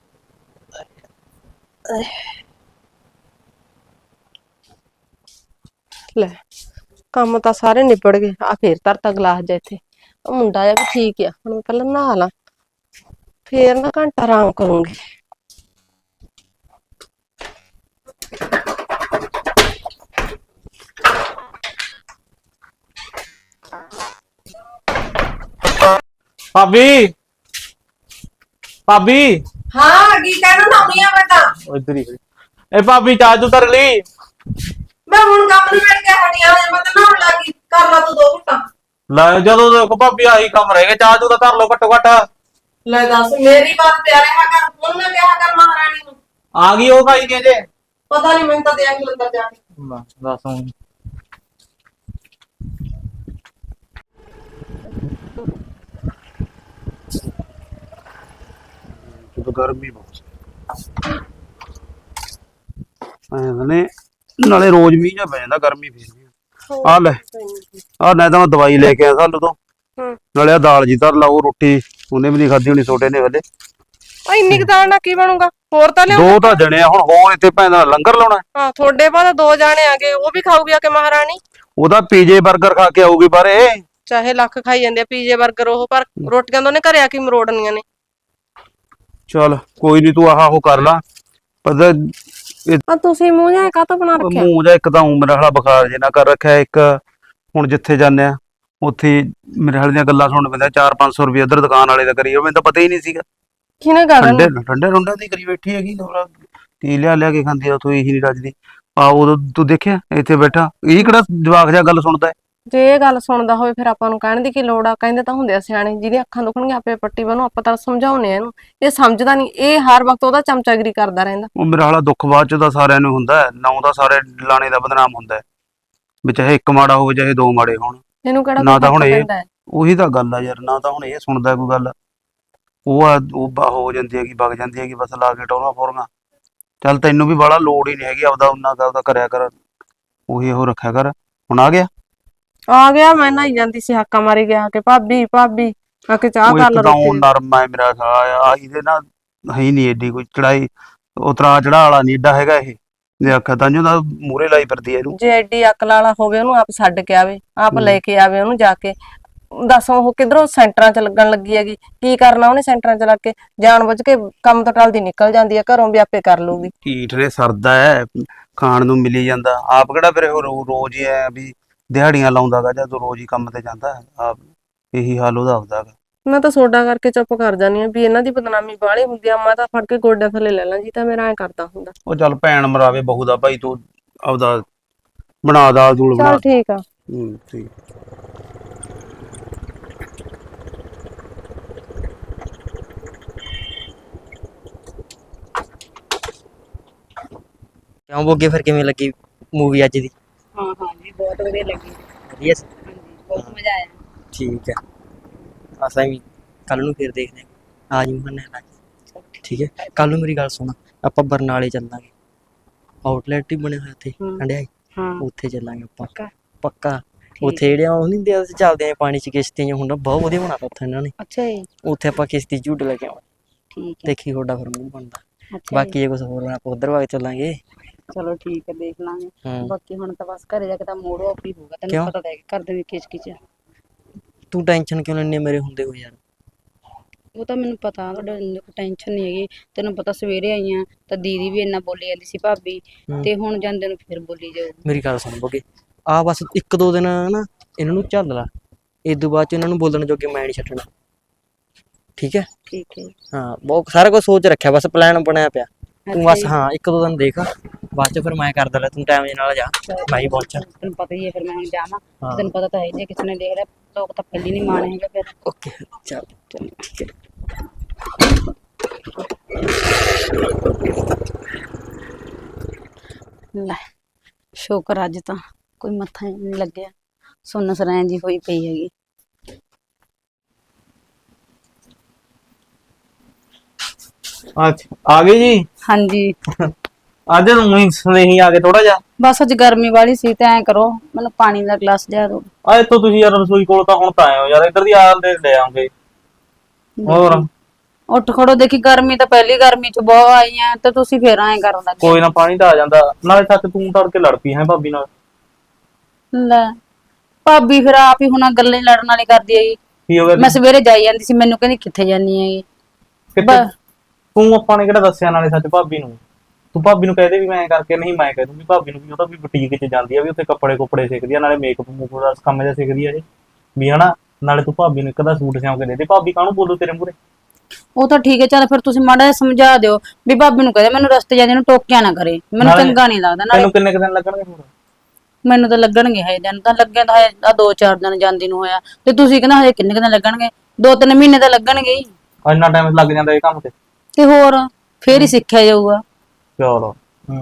[SPEAKER 1] ਲੈ ਕੰਮ ਤਾਂ ਸਾਰੇ ਨਿਬੜ ਗਏ। ਆ ਫੇਰ ਧਰਤਾ ਗਲਾਸ ਜਿਹਾ ਇੱਥੇ। ਉਹ ਮੁੰਡਾ ਜਿਹਾ ਵੀ ਠੀਕ ਆ, ਹੁਣ ਮੈਂ ਪਹਿਲਾਂ ਨਹਾ ਲਾਂ, ਫੇਰ ਨਾ ਘੰਟਾ ਆਰਾਮ ਕਰੂੰਗੀ।
[SPEAKER 4] ਭਾਬੀ ਭਾਬੀ
[SPEAKER 1] ਹਾਂ ਕੀ ਕਹਿਣਾ ਨਾਉਣੀ ਆ ਮੈਂ ਤਾਂ।
[SPEAKER 4] ਉਹ ਇੱਧਰ ਹੀ ਖੜੀ। ਇਹ ਭਾਬੀ ਚਾਹ ਚੂ ਧਰ ਲਈ?
[SPEAKER 1] ਮੈਂ ਹੁਣ ਕੰਮ ਨੂੰ ਮਿਲ ਕੇ ਹਟਿਆ, ਮੈਂ ਤਾਂ ਨਹਾਉਣ ਲੱਗੀ। ਕਰ ਲਾ ਤੂੰ 2 ਘੁੱਟਾਂ।
[SPEAKER 4] ਲੈ ਜਦੋਂ ਦੇਖੋ ਭਾਬੀ ਆਹੀ ਕੰਮ ਰਹਿ ਗਏ, ਚਾਹ ਚੂ ਤਾਂ ਧਰ ਲਓ ਘੱਟੋ ਘੱਟ।
[SPEAKER 1] ਲੈ ਦੱਸ, ਮੇਰੀ ਬਾਤ ਪਿਆਰੇ ਹਾਂ ਕਰ, ਹੁਣ ਨਾ ਕਿਹਾ ਕਰ ਮਹਾਰਾਣੀ ਨੂੰ।
[SPEAKER 4] ਆ ਗਈ ਉਹ ਖਾਈ ਜੇ
[SPEAKER 1] ਪਤਾ ਨਹੀਂ, ਮੈਨੂੰ ਤਾਂ ਦੇਖ ਲੰਦਾ ਜਾ ਕੇ।
[SPEAKER 4] ਦੱਸ ਹੁਣ।
[SPEAKER 3] ਜਦੋਂ ਗਰਮੀ ਬਹੁਤ ਨੇ, ਨਾਲੇ ਰੋਜ਼ ਮੀਂਹ ਜਾ ਪੈ ਜਾਂਦਾ, ਗਰਮੀ ਫੇਰ ਆ ਲੈ ਆ ਨਾ ਤਾਂ ਮੈਂ ਦਵਾਈ ਲੈ ਕੇ ਆਇਆ ਸਾਨੂੰ ਤੋਂ, ਨਾਲੇ ਆ ਦਾਲ ਜੀ ਧਰ ਲਾ। ਉਹ ਰੋਟੀ ਉਹਨੇ ਵੀ ਨਹੀਂ ਖਾਧੀ ਹੋਣੀ ਛੋਟੇ ਨੇ ਵੇਲੇ।
[SPEAKER 1] ਆ ਇੰਨੀ ਕੁ ਦਾਲ ਨਾਲ ਕੀ ਬਣੂਗਾ? ਹੋਰ ਤਾਂ ਲਿਆਓ।
[SPEAKER 3] 2 ਤਾਂ ਜਣੇ ਆ ਹੁਣ, ਹੋਰ ਇੱਥੇ ਭੈਣ ਲੰਗਰ ਲਾਉਣਾ।
[SPEAKER 1] ਹਾਂ ਤੁਹਾਡੇ ਬਾਅਦ 2 ਜਾਣੇ ਆ ਗਏ, ਉਹ ਵੀ ਖਾਊਗੀ ਆ ਕੇ ਮਹਾਰਾਣੀ।
[SPEAKER 3] ਉਹਦਾ ਪੀਜੇ 버ਗਰ ਖਾ ਕੇ ਆਊਗੀ ਬਾਰੇ।
[SPEAKER 1] ਚਾਹੇ ਲੱਖ ਖਾਈ ਜਾਂਦੇ ਆ ਪੀਜੇ 버ਗਰ ਉਹ, ਪਰ ਰੋਟੀਆਂ ਤਾਂ ਉਹਨੇ ਘਰੇ ਆ ਕੇ ਮਰੋੜਨੀਆਂ ਨੇ।
[SPEAKER 3] ਚੱਲ ਕੋਈ ਨਹੀਂ, ਤੂੰ ਆਹ ਉਹ ਕਰ ਲਾ। ਪਤਾ
[SPEAKER 1] ਆ ਤੁਸੀਂ ਮੂੰਹ ਜਿਹਾ ਕਾਹਤੋਂ ਬਣਾ ਰੱਖਿਆ?
[SPEAKER 3] ਮੂੰਹ ਜਾ ਇੱਕ ਤਾਂ ਮੇਰਾ ਹਾਲਾ ਬੁਖਾਰ ਜੇ ਨਾ ਕਰ ਰੱਖਿਆ, ਇੱਕ ਹੁਣ ਜਿੱਥੇ ਜਾਂਦੇ ਆ ਉੱਥੇ ਮੇਰੇ ਹਾਲੇ ਦੀਆਂ ਗੱਲਾਂ ਸੁਣਨ ਪੈਂਦਾ। 400-500 ਰੁਪਏ ਉਧਰ ਦੁਕਾਨ ਵਾਲੇ ਦਾ ਕਰੀ, ਮੈਨੂੰ ਤਾਂ ਪਤਾ ਹੀ ਨਹੀਂ ਸੀਗਾ।
[SPEAKER 1] ਕਿਹਨੇ ਗੱਲ
[SPEAKER 3] ਠੰਡੇ ਰੁੰਡਾਂ ਦੀ ਕਰੀ ਬੈਠੀ ਹੈਗੀ। ਕੀ ਲਿਆ ਕੇ ਖਾਂਦੀ ਆ ਉੱਥੋਂ, ਇਹੀ ਨਹੀਂ ਰੱਜਦੀ। ਆ ਉਦੋਂ ਤੂੰ ਦੇਖਿਆ ਇੱਥੇ ਬੈਠਾ, ਇਹ ਕਿਹੜਾ ਜਵਾਕ ਜਿਹਾ ਗੱਲ ਸੁਣਦਾ ਹੈ।
[SPEAKER 1] ਜੇ ਇਹ ਗੱਲ ਸੁਣਦਾ ਹੋਵੇ ਫਿਰ ਆਪਾਂ ਨੂੰ ਕਹਿਣ ਦੀ ਕੀ ਲੋੜ ਆ? ਕਹਿੰਦੇ ਤਾਂ ਹੁੰਦੇ ਆ ਸਿਆਣੇ, ਜਿਹਦੀਆਂ ਅੱਖਾਂ ਦੁਖਣਗੀਆਂ ਆਪੇ ਪੱਟੀ ਬੰਨੋ। ਆਪਾਂ ਤਾਂ ਸਮਝਾਉਨੇ ਆ ਇਹਨੂੰ, ਇਹ ਸਮਝਦਾ ਨਹੀਂ। ਇਹ ਹਰ ਵਕਤ ਉਹਦਾ ਚਮਚਾਗਿਰੀ ਕਰਦਾ ਰਹਿੰਦਾ।
[SPEAKER 3] ਉਹ ਮੇਰਾ ਹਾਲਾ ਦੁੱਖ ਬਾਅਦ ਚ ਤਾਂ ਸਾਰਿਆਂ ਨੂੰ ਹੁੰਦਾ, ਨਾ ਦਾ ਸਾਰੇ ਲਾਣੇ ਦਾ ਬਦਨਾਮ ਹੁੰਦਾ ਵੀ, ਚਾਹੇ ਇੱਕ ਮਾੜਾ ਹੋਵੇ ਚਾਹੇ 2 ਮਾੜੇ ਹੋਣ।
[SPEAKER 1] ਇਹਨੂੰ ਕਿਹੜਾ
[SPEAKER 3] ਨਾ ਤਾਂ ਹੁਣ ਇਹ
[SPEAKER 1] ਪੈਂਦਾ ਹੈ?
[SPEAKER 3] ਉਹੀ ਤਾਂ ਗੱਲ ਆ ਯਾਰ, ਨਾ ਤਾਂ ਹੁਣ ਇਹ ਸੁਣਦਾ ਕੋਈ ਗੱਲ। ਉਹ ਹੋ ਜਾਂਦੀ ਹੈਗੀ, ਵਗ ਜਾਂਦੀ ਹੈਗੀ ਬਸ ਲਾ ਕੇ ਟੋਰਾਂ ਫੋਰਾਂ। ਚੱਲ ਤੈਨੂੰ ਵੀ ਬਾਹਲਾ ਲੋੜ ਹੀ ਨਹੀਂ ਹੈਗੀ, ਆਪਦਾ ਉਹਨਾਂ ਦਾ ਉਹਦਾ ਕਰਿਆ ਕਰ, ਉਹੀ ਉਹ ਰੱਖਿਆ ਕਰ। ਹੁਣ ਆ ਗਿਆ
[SPEAKER 1] ਮੈਂ ਨਹਾਈ ਜਾਂਦੀ ਸੀ, ਹਾਕਾ ਮਾਰੀ ਗਿਆ ਕਿ ਭਾਬੀ ਭਾਬੀ ਆ ਕੇ ਚਾਹ
[SPEAKER 3] ਉਹ
[SPEAKER 1] ਕਰ ਲਾ
[SPEAKER 3] ਇੱਕ ਤਾਂ
[SPEAKER 1] ਰੋਟੀ।
[SPEAKER 3] ਨਰਮ ਹੈ ਮੇਰਾ ਖਾ ਇਹਦੇ ਨਾ, ਹੈ ਨਹੀਂ ਏਡੀ ਕੋਈ ਚੜਾਈ ਉਤਰਾ ਚੜਾ ਵਾਲਾ ਨਹੀਂ ਏਡਾ ਹੈਗਾ ਇਹ। ਜੇ ਆਖਿਆ ਤਾਂ ਦਾ ਮੂਹਰੇ ਲਾਈ ਫਿਰਦੀ ਹੈ ਇਹਨੂੰ।
[SPEAKER 1] ਜੇ ਐਡੀ ਅਕਲ ਵਾਲਾ ਹੋਵੇ ਉਹਨੂੰ ਆਪ ਛੱਡ ਕੇ ਆਵੇ, ਆਪ ਲੈ ਕੇ ਆਵੇ ਉਹਨੂੰ ਜਾ ਕੇ। ਦੱਸ ਉਹ ਕਿਧਰੋਂ ਸੈਂਟਰਾਂ 'ਚ ਲੱਗਣ ਲੱਗੀ ਹੈਗੀ? ਕੀ ਕਰਨਾ ਉਹਨੇ ਸੈਂਟਰਾਂ 'ਚ ਲੱਗ ਕੇ? ਜਾਣ ਬੁੱਝ ਕੇ ਕੰਮ ਤੋਂ ਟਲਦੀ ਨਿਕਲ ਜਾਂਦੀ ਹੈ ਘਰੋਂ, ਵੀ ਆਪੇ ਕਰ ਲੂਗੀ।
[SPEAKER 3] ਢੀਠ ਨੇ ਸਰਦਾ ਹੈ, ਖਾਣ ਨੂੰ ਮਿਲੀ ਜਾਂਦਾ। ਆਪ ਕਿਹੜਾ ਫਿਰ ਉਹ ਰੋਜ਼ ਹੀ ਐ ਵੀ ਦਿਹਾੜੀਆਂ ਲਾਉਂਦਾਗਾ, ਜਾਂ ਤੂੰ ਰੋਜ਼ ਹੀ ਕੰਮ ਤੇ ਜਾਂਦਾ। ਆਪ ਇਹੀ ਹਾਲ ਉਹਦਾ ਹੁੰਦਾ ਗਾ।
[SPEAKER 1] ਮੈਂ ਤਾਂ ਸੋਡਾ ਕਰਕੇ ਚੁੱਪ ਕਰ ਜਾਂਦੀ ਆ ਵੀ ਇਹਨਾਂ ਦੀ ਬਦਨਾਮੀ ਬਾਹਲੀ ਹੁੰਦੀ ਆ। ਮੈਂ ਤਾਂ ਫੜ ਕੇ ਗੋਡਿਆਂ ਥੱਲੇ ਲੈ ਲਾਂ ਜੀ, ਤਾਂ ਮੇਰਾ ਐ ਕਰਦਾ ਹੁੰਦਾ।
[SPEAKER 3] ਉਹ ਚੱਲ ਭੈਣ ਮਰਾਵੇ ਬਹੂ ਦਾ ਭਾਈ, ਤੂੰ ਆਪਦਾ ਬਣਾ ਦਾਲ ਦੂਲ ਬਣਾ।
[SPEAKER 1] ਚੱਲ ਠੀਕ ਆ।
[SPEAKER 3] ਠੀਕ।
[SPEAKER 5] ਕਿਉਂ ਬੋਗੇ, ਫਿਰ ਕਿਵੇਂ ਲੱਗੀ ਮੂਵੀ ਅੱਜ ਦੀ?
[SPEAKER 2] ਹਾਂ ਹਾਂ ਜੀ, ਬਹੁਤ ਵਧੀਆ ਲੱਗੀ।
[SPEAKER 5] ਵਧੀਆ ਸੀ?
[SPEAKER 2] ਹਾਂਜੀ, ਬਹੁਤ ਮਜ਼ਾ ਆਇਆ।
[SPEAKER 5] ਠੀਕ ਹੈ, ਅਸਾਂ ਵੀ ਕੱਲ ਨੂੰ ਫਿਰ ਦੇਖਦੇ ਹਾਂ। ਆ ਜੀ ਮੰਨੇ ਨਾਲ, ਠੀਕ ਹੈ। ਕੱਲ ਨੂੰ ਮੇਰੀ ਗੱਲ ਸੁਣ, ਆਪਾਂ ਬਰਨਾਲੇ ਚੱਲਾਂਗੇ। ਆਊਟਲੈਟ ਹੀ ਬਣਿਆ ਹੋਇਆ ਉੱਥੇ ਹੰਡਿਆਈ, ਉੱਥੇ ਚੱਲਾਂਗੇ ਆਪਾਂ ਪੱਕਾ। ਉੱਥੇ ਜਿਹੜੀਆਂ ਉਹ ਨਹੀਂ ਦੇ ਚੱਲਦੇ ਆ ਪਾਣੀ 'ਚ ਕਿਸ਼ਤੀਆਂ ਹੁੰਦਾ, ਬਹੁਤ ਵਧੀਆ ਬਣਾਤਾ ਉੱਥੇ ਇਹਨਾਂ ਨੇ।
[SPEAKER 2] ਅੱਛਾ ਜੀ।
[SPEAKER 5] ਉੱਥੇ ਆਪਾਂ ਕਿਸ਼ਤੀ ਝੂਟ ਲੈ ਕੇ ਆਵਾਂਗੇ।
[SPEAKER 2] ਠੀਕ ਹੈ,
[SPEAKER 5] ਦੇਖੀ ਤੁਹਾਡਾ ਫਿਰ ਮੂੰਹ ਬਣਦਾ।
[SPEAKER 2] ਅੱਛਾ
[SPEAKER 5] ਬਾਕੀ ਜੇ ਕੁਝ ਹੋਰ ਆਪਾਂ ਉਧਰ ਵਗ ਚੱਲਾਂਗੇ।
[SPEAKER 2] ਚਲੋ ਠੀਕ ਹੈ, ਦੇਖ ਲਾਂਗੇ।
[SPEAKER 5] ਹੂੰ।
[SPEAKER 2] ਬਾਕੀ ਹੁਣ ਤਾਂ ਬਸ ਘਰੇ ਜਾ ਕੇ ਤਾਂ ਮੂਡ ਆਫ ਹੀ ਹੋਊਗਾ,
[SPEAKER 5] ਕਿਉਂ?
[SPEAKER 2] ਤੈਨੂੰ ਪਤਾ ਤਾਂ ਹੈ ਘਰ ਦੇ ਵੀ ਕਿਚ
[SPEAKER 5] ਤੂੰ ਟੈਨਸ਼ਨ ਕਿਉਂ ਲੈਂਦੀ ਮੇਰੇ ਹੁੰਦੇ ਹੋ ਯਾਰ?
[SPEAKER 2] ਉਹ ਤਾਂ ਮੈਨੂੰ ਪਤਾ, ਤੁਹਾਡੇ ਟੈਨਸ਼ਨ ਨਹੀਂ ਹੈਗੀ। ਤੈਨੂੰ ਪਤਾ ਸਵੇਰੇ ਆਈਆਂ ਤਾਂ ਦੀਦੀ ਵੀ ਇੰਨਾ ਬੋਲੀ ਜਾਂਦੀ ਸੀ ਭਾਬੀ, ਤੇ ਹੁਣ ਜਾਂਦੇ ਨੂੰ ਫਿਰ ਬੋਲੀ ਜਾਊਗੀ।
[SPEAKER 5] ਮੇਰੀ ਗੱਲ ਸੁਣ ਬੋਗੇ, ਆ ਬਸ 1-2 ਦਿਨ ਨਾ ਇਹਨਾਂ ਨੂੰ ਝੱਲ ਲਾ, ਇਸ ਤੋਂ ਬਾਅਦ ਚ ਇਹਨਾਂ ਨੂੰ ਬੋਲਣ ਜੋਗੇ ਮੈਂ ਨਹੀਂ ਛੱਡਣਾ, ਠੀਕ ਹੈ?
[SPEAKER 2] ਠੀਕ ਹੈ।
[SPEAKER 5] ਹਾਂ, ਬਹੁਤ ਸਾਰਾ ਕੁਝ ਸੋਚ ਰੱਖਿਆ, ਬਸ ਪਲਾਨ ਬਣਿਆ ਪਿਆ। ਤੂੰ ਬਸ ਹਾਂ 1-2 ਦਿਨ ਦੇਖ, ਬਾਅਦ ਚ ਫਿਰ ਮੈਂ ਕਰਦਾ ਲੈ, ਤੂੰ ਟਾਈਮ ਦੇ ਨਾਲ ਜਾ, ਮੈਂ ਹੀ ਪਹੁੰਚਾਂ।
[SPEAKER 2] ਤੈਨੂੰ ਪਤਾ ਹੀ ਹੈ ਫਿਰ ਮੈਂ ਹੁਣ ਜਾਵਾਂ, ਤੈਨੂੰ ਪਤਾ ਤਾਂ ਹੈ ਜੇ ਕਿਸੇ ਨੇ ਦੇਖ ਲਿਆ ਲੋਕ ਤਾਂ ਪਹਿਲੀ ਨਹੀਂ ਮਾਣ ਹੈਗਾ ਫਿਰ।
[SPEAKER 5] ਓਕੇ, ਚੱਲ ਠੀਕ ਹੈ।
[SPEAKER 2] ਲੈ ਸ਼ੁਕਰ ਅੱਜ ਤਾਂ ਕੋਈ ਮੱਥਾ ਨਹੀਂ ਲੱਗਿਆ, ਸੁੰਨ ਸਰਾਂ ਜੀ ਹੋਈ ਪਈ ਹੈਗੀ।
[SPEAKER 4] ਅੱਛਾ ਆ ਗਈ ਜੀ।
[SPEAKER 2] ਹਾਂਜੀ
[SPEAKER 4] ਅੱਜ ਉਹੀ ਸਨੇਹੀ ਆ ਗਏ ਥੋੜਾ ਜਿਹਾ।
[SPEAKER 2] ਬਸ ਅੱਜ ਗਰਮੀ ਵਾਲੀ ਸੀ ਤੇ ਐਂ ਕਰੋ ਮੈਨੂੰ ਪਾਣੀ ਦਾ ਗਲਾਸ ਲਿਆ ਦਿਓ।
[SPEAKER 4] ਆ ਇੱਥੋਂ ਤੁਸੀਂ ਯਾਰ ਰਸੋਈ ਕੋਲ ਤਾਂ ਹੁਣ ਤਾਂ ਆਏ ਹੋ ਯਾਰ, ਇੱਧਰ ਦੀ ਆਲ ਦੇ ਲੈ ਆਉਂਗੇ। ਹੋਰ
[SPEAKER 2] ਉੱਠ ਖੜੋ, ਦੇਖੀ ਗਰਮੀ ਤਾਂ ਪਹਿਲੀ ਗਰਮੀ ਚ ਬਹੁਤ ਆਈ ਆ ਤੇ ਤੁਸੀਂ ਫੇਰ ਐਂ ਕਰਨ ਲੱਗੇ।
[SPEAKER 4] ਕੋਈ ਨਾ, ਪਾਣੀ ਤਾਂ ਆ ਜਾਂਦਾ। ਨਾਲੇ ਸੱਚ ਤੂੰ ਤੜਕੇ ਲੜ ਪਈ ਹੈ ਭਾਬੀ ਨਾਲ।
[SPEAKER 2] ਲੈ ਭਾਬੀ ਫਿਰ ਆਪ ਹੀ ਹੁਣ ਗੱਲਾਂ ਹੀ ਲੜਨ ਵਾਲੀ ਕਰਦੀ ਹੈਗੀ।
[SPEAKER 4] ਕੀ ਹੋ ਗਿਆ?
[SPEAKER 2] ਮੈਂ ਸਵੇਰੇ ਜਾਈ ਜਾਂਦੀ ਸੀ, ਮੈਨੂੰ ਕਹਿੰਦੀ ਕਿੱਥੇ ਜਾਨੀ ਹੈਗੀ।
[SPEAKER 4] ਕਿੱਥੇ? ਤੂੰ ਆਪਾਂ ਨੇ ਕਿਹੜਾ ਦੱਸਿਆ ਨਾਲੇ ਸੱਚ ਭਾਬੀ ਨੂੰ? ਤੂੰ ਭਾਬੀ ਨੂੰ ਕਹਦੇ ਵੀ ਮੈਂ ਕਰਕੇ ਨਹੀਂ, ਮੈਂ ਕਹਿ ਦੂੰਗੀ ਭਾਬੀ ਨੂੰ ਵੀ ਉਹਦਾ ਵੀ ਬੁਟੀਕ 'ਚ ਜਾਂਦੀ ਆ, ਵੀ ਉੱਥੇ ਕੱਪੜੇ ਕੁੱਪੜੇ ਸਿੱਖਦੀ ਆ, ਨਾਲੇ ਮੇਕਅਪ ਮੂਕਅਪ ਦਾ ਕੰਮ ਜਿਹਾ ਸਿੱਖਦੀ ਆ ਇਹ ਵੀ ਹਨਾ। ਨਾਲੇ ਤੂੰ ਭਾਬੀ ਨੂੰ ਇੱਕ ਦਾ ਸੂਟ ਸਿਉਂ ਕੇ ਦੇ ਦੇ। ਭਾਬੀ ਕਾਹਨੂੰ ਬੋਲੂ ਤੇਰੇ ਮੂਹਰੇ?
[SPEAKER 2] ਉਹ ਤਾਂ ਠੀਕ ਹੈ, ਚੱਲ ਫਿਰ ਤੁਸੀਂ ਮਾੜਾ ਜਿਹਾ ਸਮਝਾ ਦਿਓ ਵੀ ਭਾਬੀ ਨੂੰ ਕਹਦੇ ਮੈਨੂੰ ਰਸਤੇ ਜਾਂਦੇ ਨੂੰ ਟੋਕਿਆ ਨਾ ਕਰੇ, ਮੈਨੂੰ
[SPEAKER 4] ਨਾਲੇ
[SPEAKER 2] ਚੰਗਾ ਨਹੀਂ ਲੱਗਦਾ। ਨਾਲੇ
[SPEAKER 4] ਤੈਨੂੰ ਕਿੰਨੇ ਕੁ ਦਿਨ ਲੱਗਣਗੇ ਹੋਰ?
[SPEAKER 2] ਮੈਨੂੰ ਤਾਂ ਲੱਗਣਗੇ ਹਜੇ ਦਿਨ, ਤਾਂ ਲੱਗੇ ਤਾਂ ਹਜੇ 2-4 ਦਿਨ ਜਾਂਦੀ ਨੂੰ ਹੋਇਆ ਤੇ ਤੁਸੀਂ ਕਹਿੰਦਾ ਹਜੇ ਕਿੰਨੇ ਕੁ ਦਿਨ ਲੱਗਣਗੇ? 2-3 ਮਹੀਨੇ ਤਾਂ ਲੱਗਣਗੇ ਹੀ।
[SPEAKER 4] ਇੰਨਾ ਟਾਈਮ ਲੱਗ ਜਾਂਦਾ ਇਹ ਕੰਮ
[SPEAKER 2] ਤੇ ਹੋਰ ਫੇਰ ਹੀ ਸਿੱਖਿਆ ਜਾਊਗਾ।
[SPEAKER 4] ਚਲੋ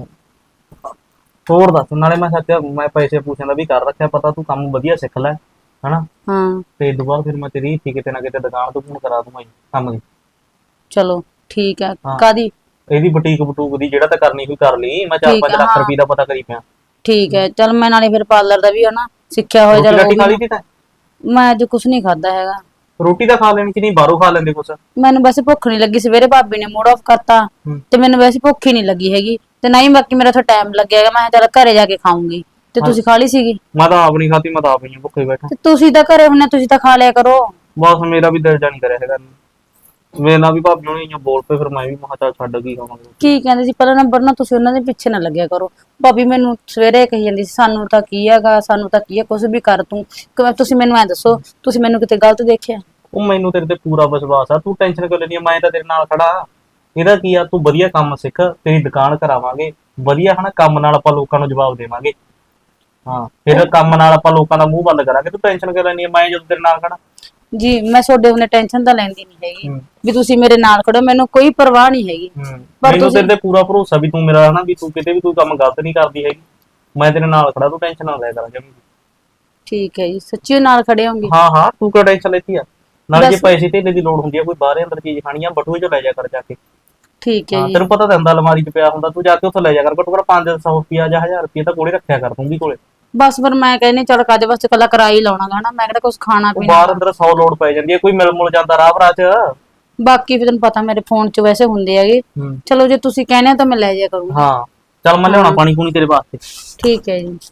[SPEAKER 4] ਹੋਰ ਦੱਸ। ਨਾਲੇ ਮੈਂ ਸੱਚ ਮੈਂ ਪੈਸੇ ਪੂਛਣ ਦਾ ਵੀ ਕਰ ਰੱਖਿਆ ਪਤਾ, ਤੂੰ ਕੰਮ ਵਧੀਆ ਸਿੱਖ ਲੈ ਹਨਾ।
[SPEAKER 2] ਹਾਂ
[SPEAKER 4] ਤੇ ਇਹ ਤੋਂ ਬਾਅਦ ਫਿਰ ਮੈਂ ਤੇਰੀ ਕਿਤੇ ਨਾ ਕਿਤੇ ਦੁਕਾਨ ਤੋਂ ਫੋਨ ਕਰਾ ਦੂੰਗਾ ਕੰਮ ਦੀ।
[SPEAKER 2] ਚਲੋ ਠੀਕ ਹੈ।
[SPEAKER 4] ਹਾਂ।
[SPEAKER 2] ਕਾਦੀ?
[SPEAKER 4] ਇਹਦੀ ਬੁਟੀਕ ਬਟੂਕ ਦੀ ਜਿਹੜਾ ਤਾਂ ਕਰਨੀ ਹੋਈ ਕਰ ਲਈ। ਮੈਂ
[SPEAKER 2] ਠੀਕ
[SPEAKER 4] 4-5
[SPEAKER 2] ਹੈ,
[SPEAKER 4] ਲੱਖ
[SPEAKER 2] ਹਾਂ।
[SPEAKER 4] ਰੁਪਏ ਦਾ ਪਤਾ ਕਰੀ ਪਿਆ।
[SPEAKER 2] ਠੀਕ ਹੈ, ਚੱਲ ਮੈਂ ਨਾਲੇ ਫਿਰ ਪਾਰਲਰ ਦਾ ਵੀ ਹਨਾ ਸਿੱਖਿਆ ਹੋਇਆ।
[SPEAKER 4] ਰੋਟੀ
[SPEAKER 2] ਚੱਲ
[SPEAKER 4] ਰਾਟੀ
[SPEAKER 2] ਉਹ
[SPEAKER 4] ਖਾ
[SPEAKER 2] ਵੀ
[SPEAKER 4] ਲਈ ਤੀ ਤੈਂ?
[SPEAKER 2] ਮੈਂ ਅੱਜ ਕੁਛ ਨਹੀਂ ਖਾਦਾ ਹੈਗਾ।
[SPEAKER 4] ਰੋਟੀ ਤਾਂ ਖਾ ਲੈਣੀ ਕਿ ਨਹੀਂ, ਬਾਹਰੋਂ ਖਾ ਲੈਂਦੇ ਕੁਛ?
[SPEAKER 2] ਮੈਨੂੰ ਵੈਸੇ ਭੁੱਖ ਨਹੀਂ ਲੱਗੀ, ਸਵੇਰੇ ਭਾਬੀ ਨੇ ਮੂਡ ਆਫ ਕਰਤਾ ਤੇ ਮੈਨੂੰ ਵੈਸੇ ਭੁੱਖ ਹੀ ਨਹੀਂ ਲੱਗੀ ਹੈਗੀ ਤੇ ਨਾ ਹੀ ਬਾਕੀ ਮੇਰਾ ਥੋੜਾ ਟਾਈਮ ਲੱਗਿਆ ਹੈਗਾ। ਮੈਂ ਕਿਹਾ ਚੱਲ ਘਰੇ ਜਾ ਕੇ ਖਾਊਂਗੀ ਤੇ ਤੁਸੀਂ ਖਾ ਲਈ ਸੀਗੀ?
[SPEAKER 4] ਮੈਂ ਤਾਂ ਆਪ ਨਹੀਂ ਖਾਤੀ, ਮੈਂ ਤਾਂ ਆਪ ਹੀ ਭੁੱਖੇ ਬੈਠਾ।
[SPEAKER 2] ਤੇ ਤੁਸੀਂ ਤਾਂ ਘਰੇ ਹੁੰਨੇ, ਤੁਸੀਂ ਤਾਂ ਖਾ ਲਿਆ ਕਰੋ।
[SPEAKER 4] ਬਸ ਮੇਰਾ ਵੀ ਦਿਲ ਜਾ ਨਹੀਂ ਕਰਿਆ ਹੈਗਾ। ਮੇਰੇ ਨਾਲ ਵੀ ਭਾਬੀ ਨੂੰ ਬੋਲ ਪਏ, ਫਿਰ ਮੈਂ ਵੀ ਮਹਾ ਚੱਲ ਛੱਡ ਗਈ ਖਾਵਾਂਗੇ।
[SPEAKER 2] ਕੀ ਕਹਿੰਦੇ ਸੀ ਪਹਿਲਾ ਨੰਬਰ ਨਾ ਤੁਸੀਂ ਉਹਨਾਂ ਦੇ ਪਿੱਛੇ ਨਾ ਲੱਗਿਆ ਕਰੋ। ਭਾਬੀ ਮੈਨੂੰ ਸਵੇਰੇ ਕਹੀ ਜਾਂਦੀ ਸੀ ਸਾਨੂੰ ਤਾਂ ਕੀ ਹੈਗਾ, ਸਾਨੂੰ ਤਾਂ ਕੀ ਹੈ, ਕੁਝ ਵੀ ਕਰ ਤੂੰ। ਤੁਸੀਂ ਮੈਨੂੰ ਐ ਦੱਸੋ, ਤੁਸੀਂ ਮੈਨੂੰ ਕਿਤੇ ਗਲਤ ਦੇਖਿਆ?
[SPEAKER 4] ਉਹ ਮੈਨੂੰ ਤੇਰੇ ਤੇ ਪੂਰਾ ਵਿਸ਼ਵਾਸ ਆ, ਤੂੰ ਟੈਨਸ਼ਨ ਕਿਉਂ ਲੈਣੀ ਆ? ਮੈਂ ਤਾਂ ਤੇਰੇ ਨਾਲ ਖੜਾ। ਇਹਦਾ ਕੀ ਆ, ਤੂੰ ਵਧੀਆ ਕੰਮ ਸਿੱਖ, ਤੇਰੀ ਦੁਕਾਨ ਕਰਾਵਾਂਗੇ ਵਧੀਆ ਹਨਾ। ਕੰਮ ਨਾਲ ਆਪਾਂ ਲੋਕਾਂ ਨੂੰ ਜਵਾਬ ਦੇਵਾਂਗੇ। ਹਾਂ, ਫਿਰ ਕੰਮ ਨਾਲ ਆਪਾਂ ਲੋਕਾਂ ਦਾ ਮੂੰਹ ਬੰਦ ਕਰਾਂਗੇ। ਤੂੰ ਟੈਨਸ਼ਨ ਕਿਉਂ ਲੈਣੀ ਆ? ਮੈਂ ਜਦੋਂ ਤੇਰੇ ਨਾਲ ਖੜਾ।
[SPEAKER 2] ਜੀ ਮੈਂ ਤੁਹਾਡੇ ਉਹਨੇ ਟੈਨਸ਼ਨ ਤਾਂ ਲੈਂਦੀ ਨਹੀਂ ਹੈਗੀ ਵੀ ਤੁਸੀਂ ਮੇਰੇ ਨਾਲ ਖੜੋ, ਮੈਨੂੰ ਕੋਈ ਪਰਵਾਹ ਨਹੀਂ ਹੈਗੀ। ਪਰ
[SPEAKER 4] ਮੈਨੂੰ ਤੇਰੇ ਤੇ ਪੂਰਾ ਭਰੋਸਾ ਵੀ ਤੂੰ ਮੇਰਾ ਹਨਾ, ਵੀ ਤੂੰ ਕਿਤੇ ਵੀ ਕੋਈ ਕੰਮ ਗਲਤ ਨਹੀਂ ਕਰਦੀ ਹੈਗੀ। ਮੈਂ ਤੇਰੇ ਨਾਲ ਖੜਾ, ਤੂੰ ਟੈਨਸ਼ਨ ਨਾ ਲੈ ਕਰ ਜਮੀ।
[SPEAKER 2] ਠੀਕ ਹੈ ਜੀ, ਸੱਚੀ ਨਾਲ ਖੜੇ ਹੋਗੇ?
[SPEAKER 4] ਹਾਂ ਹਾਂ, ਤੂੰ ਕਿਉਂ ਟੈਨਸ਼ਨ ਲੈਤੀ ਆ? ਨਾਲੇ ਜੇ ਪੈਸੇ ਧੇਲੇ ਦੀ ਲੋੜ ਹੁੰਦੀ ਆ, ਕੋਈ ਬਾਹਰੇ ਅੰਦਰ ਚੀਜ਼ ਖਾਣੀ ਆ, ਬਟੂਏ ਚ ਲੈ ਜਾ ਕਰ ਜਾ ਕੇ।
[SPEAKER 2] ਠੀਕ ਹੈ
[SPEAKER 4] ਹਾਂ,
[SPEAKER 2] ਜੀ।
[SPEAKER 4] ਤੈਨੂੰ ਪਤਾ ਤਾਂ ਹੁੰਦਾ ਅਲਮਾਰੀ 'ਚ ਪਿਆ ਹੁੰਦਾ, ਤੂੰ ਜਾ ਕੇ ਉੱਥੋਂ ਲੈ ਜਾ ਕਰ। ਘੱਟੋ ਘੱਟ 500 ਰੁਪਿਆ ਜਾਂ 1000 ਰੁਪਿਆ ਤਾਂ ਕੋਲੇ ਰੱਖਿਆ ਕਰ ਤੂੰ ਵੀ ਕੋਲੇ।
[SPEAKER 2] ਬਸ ਫਿਰ ਮੈਂ ਕਹਿੰਨੀ ਚੱਲ ਕਾਦੇ ਵਾਸਤੇ ਕੱਲਾ ਕਿਰਾਇਆ ਹੀ ਲਾਉਣਾ ਗਾ ਨਾ, ਮੈਂ ਕਿਹੜਾ ਕੁਝ ਖਾਣਾ
[SPEAKER 4] ਉਹ
[SPEAKER 2] ਪੀਣਾ।
[SPEAKER 4] ਬਾਹਰ ਅੰਦਰ 100 ਲੋੜ ਪੈ ਜਾਂਦੀ ਹੈ, ਕੋਈ ਮਿਲ ਮੁਲ ਜਾਂਦਾ ਰਾਹ ਭਰਾ 'ਚ।
[SPEAKER 2] ਬਾਕੀ ਫਿਰ ਤੈਨੂੰ ਪਤਾ ਮੇਰੇ ਫੋਨ 'ਚ ਵੈਸੇ ਹੁੰਦੇ ਹੈਗੇ। ਚਲੋ ਜੇ ਤੁਸੀਂ ਕਹਿੰਦੇ ਹੋ ਤਾਂ ਮੈਂ ਲੈ ਜਾਇਆ ਕਰੂੰਗੀ।
[SPEAKER 4] ਹਾਂ ਚੱਲ, ਮੈਂ ਲਿਆਉਣਾ ਪਾਣੀ ਪੂਣੀ ਤੇਰੇ ਵਾਸਤੇ।
[SPEAKER 2] ਠੀਕ ਹੈ ਜੀ।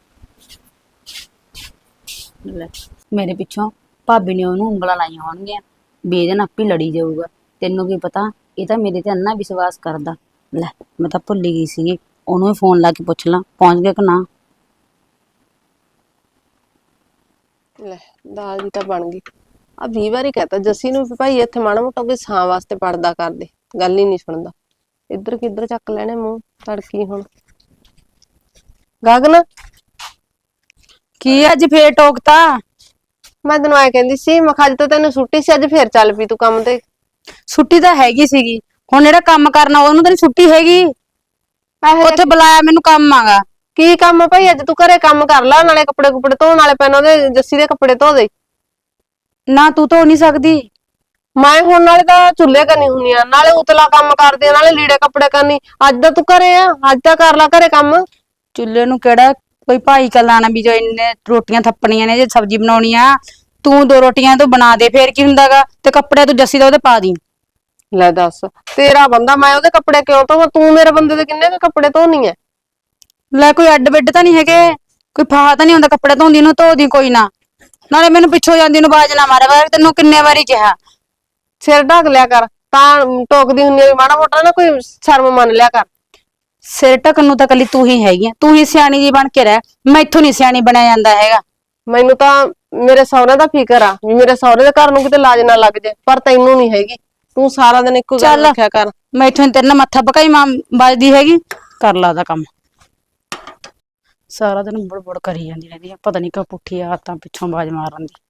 [SPEAKER 2] ਲੈ, ਮੇਰੇ ਪਿੱਛੋਂ ਭਾਬੀ ਨੇ ਉਹਨੂੰ ਉਂਗਲਾਂ ਲਾਈਆਂ ਹੋਣਗੀਆਂ ਵੀ ਇਹਦੇ ਨਾਲ ਆਪੇ ਲੜੀ ਜਾਊਗਾ। ਤੈਨੂੰ ਕੀ ਪਤਾ, ਇਹ ਤਾਂ ਮੇਰੇ ਤੇ ਅੰਨਾ ਵਿਸ਼ਵਾਸ ਕਰਦਾ। ਲੈ ਮੈਂ ਤਾਂ ਭੁੱਲ ਗਈ ਸੀਗੀ, ਉਹਨੂੰ ਵੀ ਫੋਨ ਲਾ ਕੇ ਪੁੱਛ ਲਾਂ ਪਹੁੰਚ ਗਿਆ ਕਿ ਨਾ।
[SPEAKER 1] ਲੈ ਦਾਲ ਜੀ ਤਾਂ ਬਣ ਗਈ। ਆ 20 ਵਾਰੀ ਕਹਤਾ ਜੱਸੀ ਨੂੰ ਵੀ ਭਾਈ ਇੱਥੇ ਮਾੜਾ ਮੋਟਾ ਕੋਈ ਛਾਂ ਵਾਸਤੇ ਪੜਦਾ ਕਰਦੇ, ਗੱਲ ਹੀ ਨਹੀਂ ਸੁਣਦਾ। ਇੱਧਰ ਕਿੱਧਰ ਚੱਕ ਲੈਣੇ ਮੂੰਹ ਤੜਕੀ। ਹੁਣ ਗਗਨ,
[SPEAKER 2] ਕੀ ਅੱਜ ਫੇਰ ਟੋਕਤਾ?
[SPEAKER 1] ਮੈਂ ਤੈਨੂੰ ਐ ਕਹਿੰਦੀ ਸੀ, ਮੈਂ ਕਿਹਾ ਅੱਜ ਤਾਂ ਤੈਨੂੰ ਛੁੱਟੀ ਸੀ, ਅੱਜ ਫੇਰ ਚੱਲ ਪਈ ਤੂੰ ਕੰਮ ਤੇ।
[SPEAKER 2] ਛੁੱਟੀ ਤਾਂ ਹੈਗੀ ਸੀਗੀ, ਹੁਣ ਜਿਹੜਾ ਕੰਮ ਕਰਨਾ ਉਹਨੂੰ ਤਾਂ ਨੀ ਛੁੱਟੀ ਹੈਗੀ। ਉੱਥੇ ਬੁਲਾਇਆ ਮੈਨੂੰ ਕੰਮ ਆਗਾ।
[SPEAKER 1] ਕੀ ਕੰਮ ਆ ਭਾਈ? ਅੱਜ ਤੂੰ ਘਰੇ ਕੰਮ ਕਰ ਲਾ, ਨਾਲੇ ਕੱਪੜੇ ਕੁਪੜੇ ਧੋਣ ਵਾਲੇ ਪੈਣ, ਉਹਦੇ ਜੱਸੀ ਦੇ ਕੱਪੜੇ ਧੋ ਦੇ।
[SPEAKER 2] ਨਾ ਤੂੰ ਧੋ ਨਹੀਂ ਸਕਦੀ?
[SPEAKER 1] ਮੈਂ ਹੁਣ ਨਾਲੇ ਤਾਂ ਚੁੱਲ੍ਹੇ ਕਰਨੀ ਹੁੰਨੀ ਆ, ਨਾਲੇ ਉਤਲਾ ਕੰਮ ਕਰਦੀ ਆ, ਨਾਲੇ ਲੀੜੇ ਕੱਪੜੇ ਕਰਨੀ। ਅੱਜ ਤਾਂ ਤੂੰ ਘਰੇ ਆ, ਅੱਜ ਤਾਂ ਕਰ ਲਾ ਘਰੇ ਕੰਮ।
[SPEAKER 2] ਚੁੱਲ੍ਹੇ ਨੂੰ ਕਿਹੜਾ ਕੋਈ ਭਾਈ ਕਲਾਣਾ ਵੀ ਜੋ ਇੰਨੇ ਰੋਟੀਆਂ ਥੱਪਣੀਆਂ ਨੇ, ਜੇ ਸਬਜ਼ੀ ਬਣਾਉਣੀ ਆ ਤੂੰ 2 ਰੋਟੀਆਂ ਤੂੰ ਬਣਾ ਦੇ, ਫੇਰ ਕੀ ਹੁੰਦਾਗਾ। ਤੇ ਕੱਪੜੇ ਤੂੰ ਜੱਸੀ ਦਾ ਉਹਦੇ ਪਾ ਦੀ।
[SPEAKER 1] ਲੈ ਦੱਸ, ਤੇਰਾ ਬੰਦਾ, ਮੈਂ ਉਹਦੇ ਕੱਪੜੇ ਕਿਉਂ ਧੋਵਾਂ? ਤੂੰ ਮੇਰੇ ਬੰਦੇ ਦੇ ਕਿੰਨੇ ਕੁ ਕੱਪੜੇ ਧੋਣੀ ਐ?
[SPEAKER 2] ਲੈ ਕੋਈ ਅੱਡ ਬਿੱਡ ਤਾਂ ਨਹੀਂ ਹੈਗੇ, ਕੋਈ ਫਾਹਾ ਤਾਂ ਨਹੀਂ ਹੁੰਦਾ ਕੱਪੜੇ ਧੋਂਦੀ ਨੂੰ? ਧੋ ਦੀ ਕੋਈ ਨਾ, ਨਾਲੇ ਮੈਨੂੰ ਪਿੱਛੋਂ ਜਾਂਦੀ ਨੂੰ ਬਾਜ ਨਾ ਮਾਰਿਆ ਕਰ। ਤੈਨੂੰ ਕਿੰਨੇ ਵਾਰੀ ਕਿਹਾ
[SPEAKER 1] ਸਿਰ ਢੱਕ ਲਿਆ ਕਰ, ਤਾਂ ਟੋਕਦੀ ਹੁੰਨੀ ਆ ਵੀ ਮਾੜਾ ਮੋਟਾ ਨਾ ਕੋਈ ਸ਼ਰਮ ਮੰਨ ਲਿਆ ਕਰ।
[SPEAKER 2] ਸਿਰ ਢੱਕਣ ਨੂੰ ਤਾਂ ਕੱਲੀ ਤੂੰ ਹੀ ਹੈਗੀ ਆ, ਤੂੰ ਹੀ ਸਿਆਣੀ ਜੀ ਬਣ ਕੇ ਰਹਿ। ਮੈਥੋਂ ਨਹੀਂ ਸਿਆਣੀ ਬਣਿਆ ਜਾਂਦਾ ਹੈਗਾ।
[SPEAKER 1] ਮੈਨੂੰ ਤਾਂ ਮੇਰੇ ਸਹੁਰੇ ਦਾ ਫਿਕਰ ਆ ਵੀ ਮੇਰੇ ਸਹੁਰੇ ਦੇ ਘਰ ਨੂੰ ਕਿਤੇ ਲਾਜ ਨਾ ਲੱਗ ਜੇ, ਪਰ ਤੈਨੂੰ ਨਹੀਂ ਹੈਗੀ। ਤੂੰ ਸਾਰਾ ਦਿਨ ਇੱਕੋ ਗੱਲ
[SPEAKER 2] ਚੱਲ
[SPEAKER 1] ਰੱਖਿਆ ਕਰ।
[SPEAKER 2] ਮੈਥੋਂ ਤੇਰੇ ਨਾਲ ਮੱਥਾ ਪਕਾਈ ਮਾਂ ਵੱਜਦੀ ਹੈਗੀ। ਕਰ ਲਾ ਦਾ ਕੰਮ, ਸਾਰਾ ਦਿਨ ਬੁੜ ਕਰੀ ਜਾਂਦੀ ਰਹਿੰਦੀ ਆ, ਪਤਾ ਨਹੀਂ ਕਿਉਂ ਪੁੱਠੀ ਆਦਤਾਂ ਪਿੱਛੋਂ ਬਾਜ ਮਾਰਨ ਦੀ।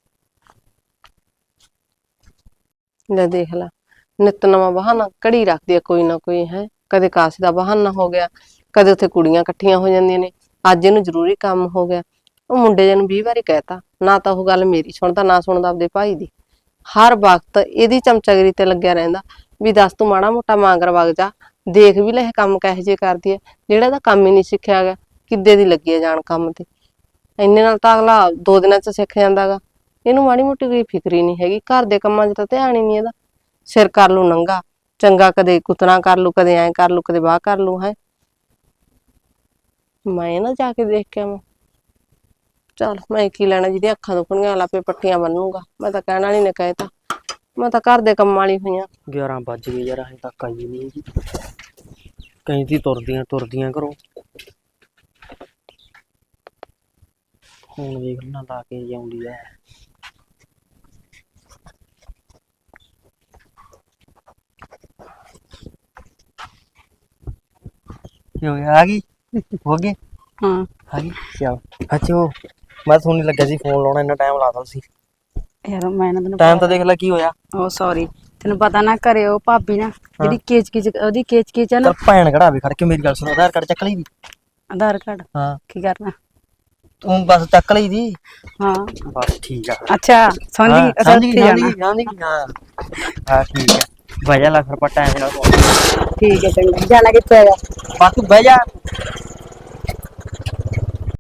[SPEAKER 1] ਲੈ ਦੇਖ ਲਾ, ਨਿੱਤ ਨਵਾਂ ਬਹਾਨਾ ਕੜੀ ਰੱਖਦੀ ਆ ਕੋਈ ਨਾ ਕੋਈ। ਹੈ ਕਦੇ ਕਾਸੇ ਦਾ ਬਹਾਨਾ ਹੋ ਗਿਆ, ਕਦੇ ਉੱਥੇ ਕੁੜੀਆਂ ਇਕੱਠੀਆਂ ਹੋ ਜਾਂਦੀਆਂ ਨੇ, ਅੱਜ ਇਹਨੂੰ ਜ਼ਰੂਰੀ ਕੰਮ ਹੋ ਗਿਆ। ਉਹ ਮੁੰਡੇ ਜੇ ਨੂੰ 20 ਵਾਰੀ ਕਹਿਤਾ, ਨਾ ਤਾਂ ਉਹ ਗੱਲ ਮੇਰੀ ਸੁਣਦਾ, ਨਾ ਸੁਣਦਾ ਆਪਦੇ ਭਾਈ ਦੀ। ਹਰ ਵਕਤ ਇਹਦੀ ਚਮਚਾਗਿਰੀ ਤੇ ਲੱਗਿਆ ਰਹਿੰਦਾ ਵੀ ਦੱਸ ਤੂੰ ਮਾੜਾ ਮੋਟਾ ਮਾਂਗਰ ਵਗ ਜਾ, ਦੇਖ ਵੀ ਲੈ ਇਹ ਕੰਮ ਕਿਹੋ ਜਿਹੇ ਕਰਦੀ ਹੈ, ਜਿਹੜਾ ਇਹਦਾ ਕੰਮ ਹੀ ਨਹੀਂ ਸਿੱਖਿਆ ਗਿਆ, ਕਿੱਦੇ ਦੀ ਲੱਗੀ ਹੈ ਜਾਣ ਕੰਮ ਤੇ। ਇੰਨੇ ਨਾਲ ਤਾਂ ਅਗਲਾ 2 ਦਿਨਾਂ ਚ ਸਿੱਖ ਜਾਂਦਾਗਾ। ਇਹਨੂੰ ਮਾੜੀ ਮੋਟੀ ਕੋਈ ਫਿਕਰ ਹੀ ਨਹੀਂ ਹੈਗੀ, ਘਰ ਦੇ ਕੰਮਾਂ 'ਚ ਤਾਂ ਧਿਆਨ ਹੀ ਨਹੀਂ ਇਹਦਾ। ਸਿਰ ਕਰ ਲੂ ਨੰਗਾ ਚੰਗਾ, ਕਦੇ ਕੁਤਨਾ ਕਰ ਲੂ, ਕਦੇ ਐਂ ਕਰ ਲੂ, ਕਦੇ ਬਾਹ ਕਰ ਲੂ। ਹੈ ਮੈਂ ਨਾ ਜਾ ਕੇ ਦੇਖ ਕੇ ਆਵਾਂ। ਚੱਲ ਮੈਂ ਕੀ ਲੈਣਾ, ਜਿਹਦੀ ਅੱਖਾਂ ਦੁਖਣੀਆਂ ਲਾਪੇ ਪੱਟੀਆਂ ਬੰਨੂਗਾ। ਮੈਂ ਤਾਂ ਕਹਿਣ ਵਾਲੀ ਨੇ ਕਹਿਤਾ, ਮੈਂ ਤਾਂ ਘਰ ਦੇ ਕੰਮਾਂ ਵਾਲੀ ਹੋਈਆਂ।
[SPEAKER 5] 11 ਵੱਜ ਗਏ ਯਾਰ, ਹਜੇ ਤੱਕ ਆਈ ਨਹੀਂ ਹੈਗੀ। ਕਹਿੰਦੀ ਤੁਰਦੀਆਂ ਘਰੋਂ। ਹੁਣ ਵੇਖ ਨਾ ਲਾ ਕੇ ਜਾਉਂਦੀ ਐ। ਕਿਉਂ ਆ ਗਈ? ਹੋ ਗਈ?
[SPEAKER 2] ਹਾਂ
[SPEAKER 5] ਆ ਗਈ ਚਲ। ਅੱਛਾ ਉਹ ਮੈਂ ਤੁਹਾਨੂੰ ਲੱਗਿਆ ਸੀ ਫੋਨ ਲਾਉਣਾ, ਇੰਨਾ ਟਾਈਮ ਲਾਤਾ ਸੀ।
[SPEAKER 2] ਯਾਰ ਮੈਂ ਨਾ ਤੈਨੂੰ
[SPEAKER 5] ਟਾਈਮ ਤਾਂ ਦੇਖ ਲੈ ਕੀ ਹੋਇਆ।
[SPEAKER 2] ਉਹ ਸੌਰੀ, ਤੈਨੂੰ ਪਤਾ ਨਾ ਘਰੇ ਉਹ ਭਾਬੀ ਨਾ ਜਿਹੜੀ ਉਹਦੀ ਕੇਚ ਆ ਨਾ।
[SPEAKER 5] ਚੱਲ ਭੈਣ ਕਢਾਵੇ ਖੜ ਕੇ, ਮੇਰੀ ਗੱਲ ਸੁਣ। ਆਧਾਰ ਕਾਰਡ ਚੱਕ ਲਈ ਦੀ।
[SPEAKER 2] ਆਧਾਰ ਕਾਰਡ
[SPEAKER 5] ਹਾਂ
[SPEAKER 2] ਕੀ ਕਰਨਾ?
[SPEAKER 5] ਤੂੰ ਬਸ ਚੱਕ ਲਈ ਦੀ।
[SPEAKER 2] ਹਾਂ
[SPEAKER 5] ਬਸ ਠੀਕ ਆ।
[SPEAKER 2] ਅੱਛਾ ਸਮਝ ਗਈ। ਅੱਛਾ
[SPEAKER 5] ਸਮਝ ਗਈ
[SPEAKER 2] ਉੱਥੇ ਜਾਣਾ।
[SPEAKER 5] ਹਾਂ ਹਾਂ ਠੀਕ ਆ। ਬਹਿ ਜਾ ਲੱਖ ਰੁਪਏ ਟਾਈਮ ਨਾਲ।
[SPEAKER 2] ਠੀਕ ਹੈ ਚੰਗਾ। ਜਾਣਾ ਕਿੱਥੇ ਹੈਗਾ?
[SPEAKER 5] ਬਸ ਤੂੰ ਬਹਿ ਜਾ।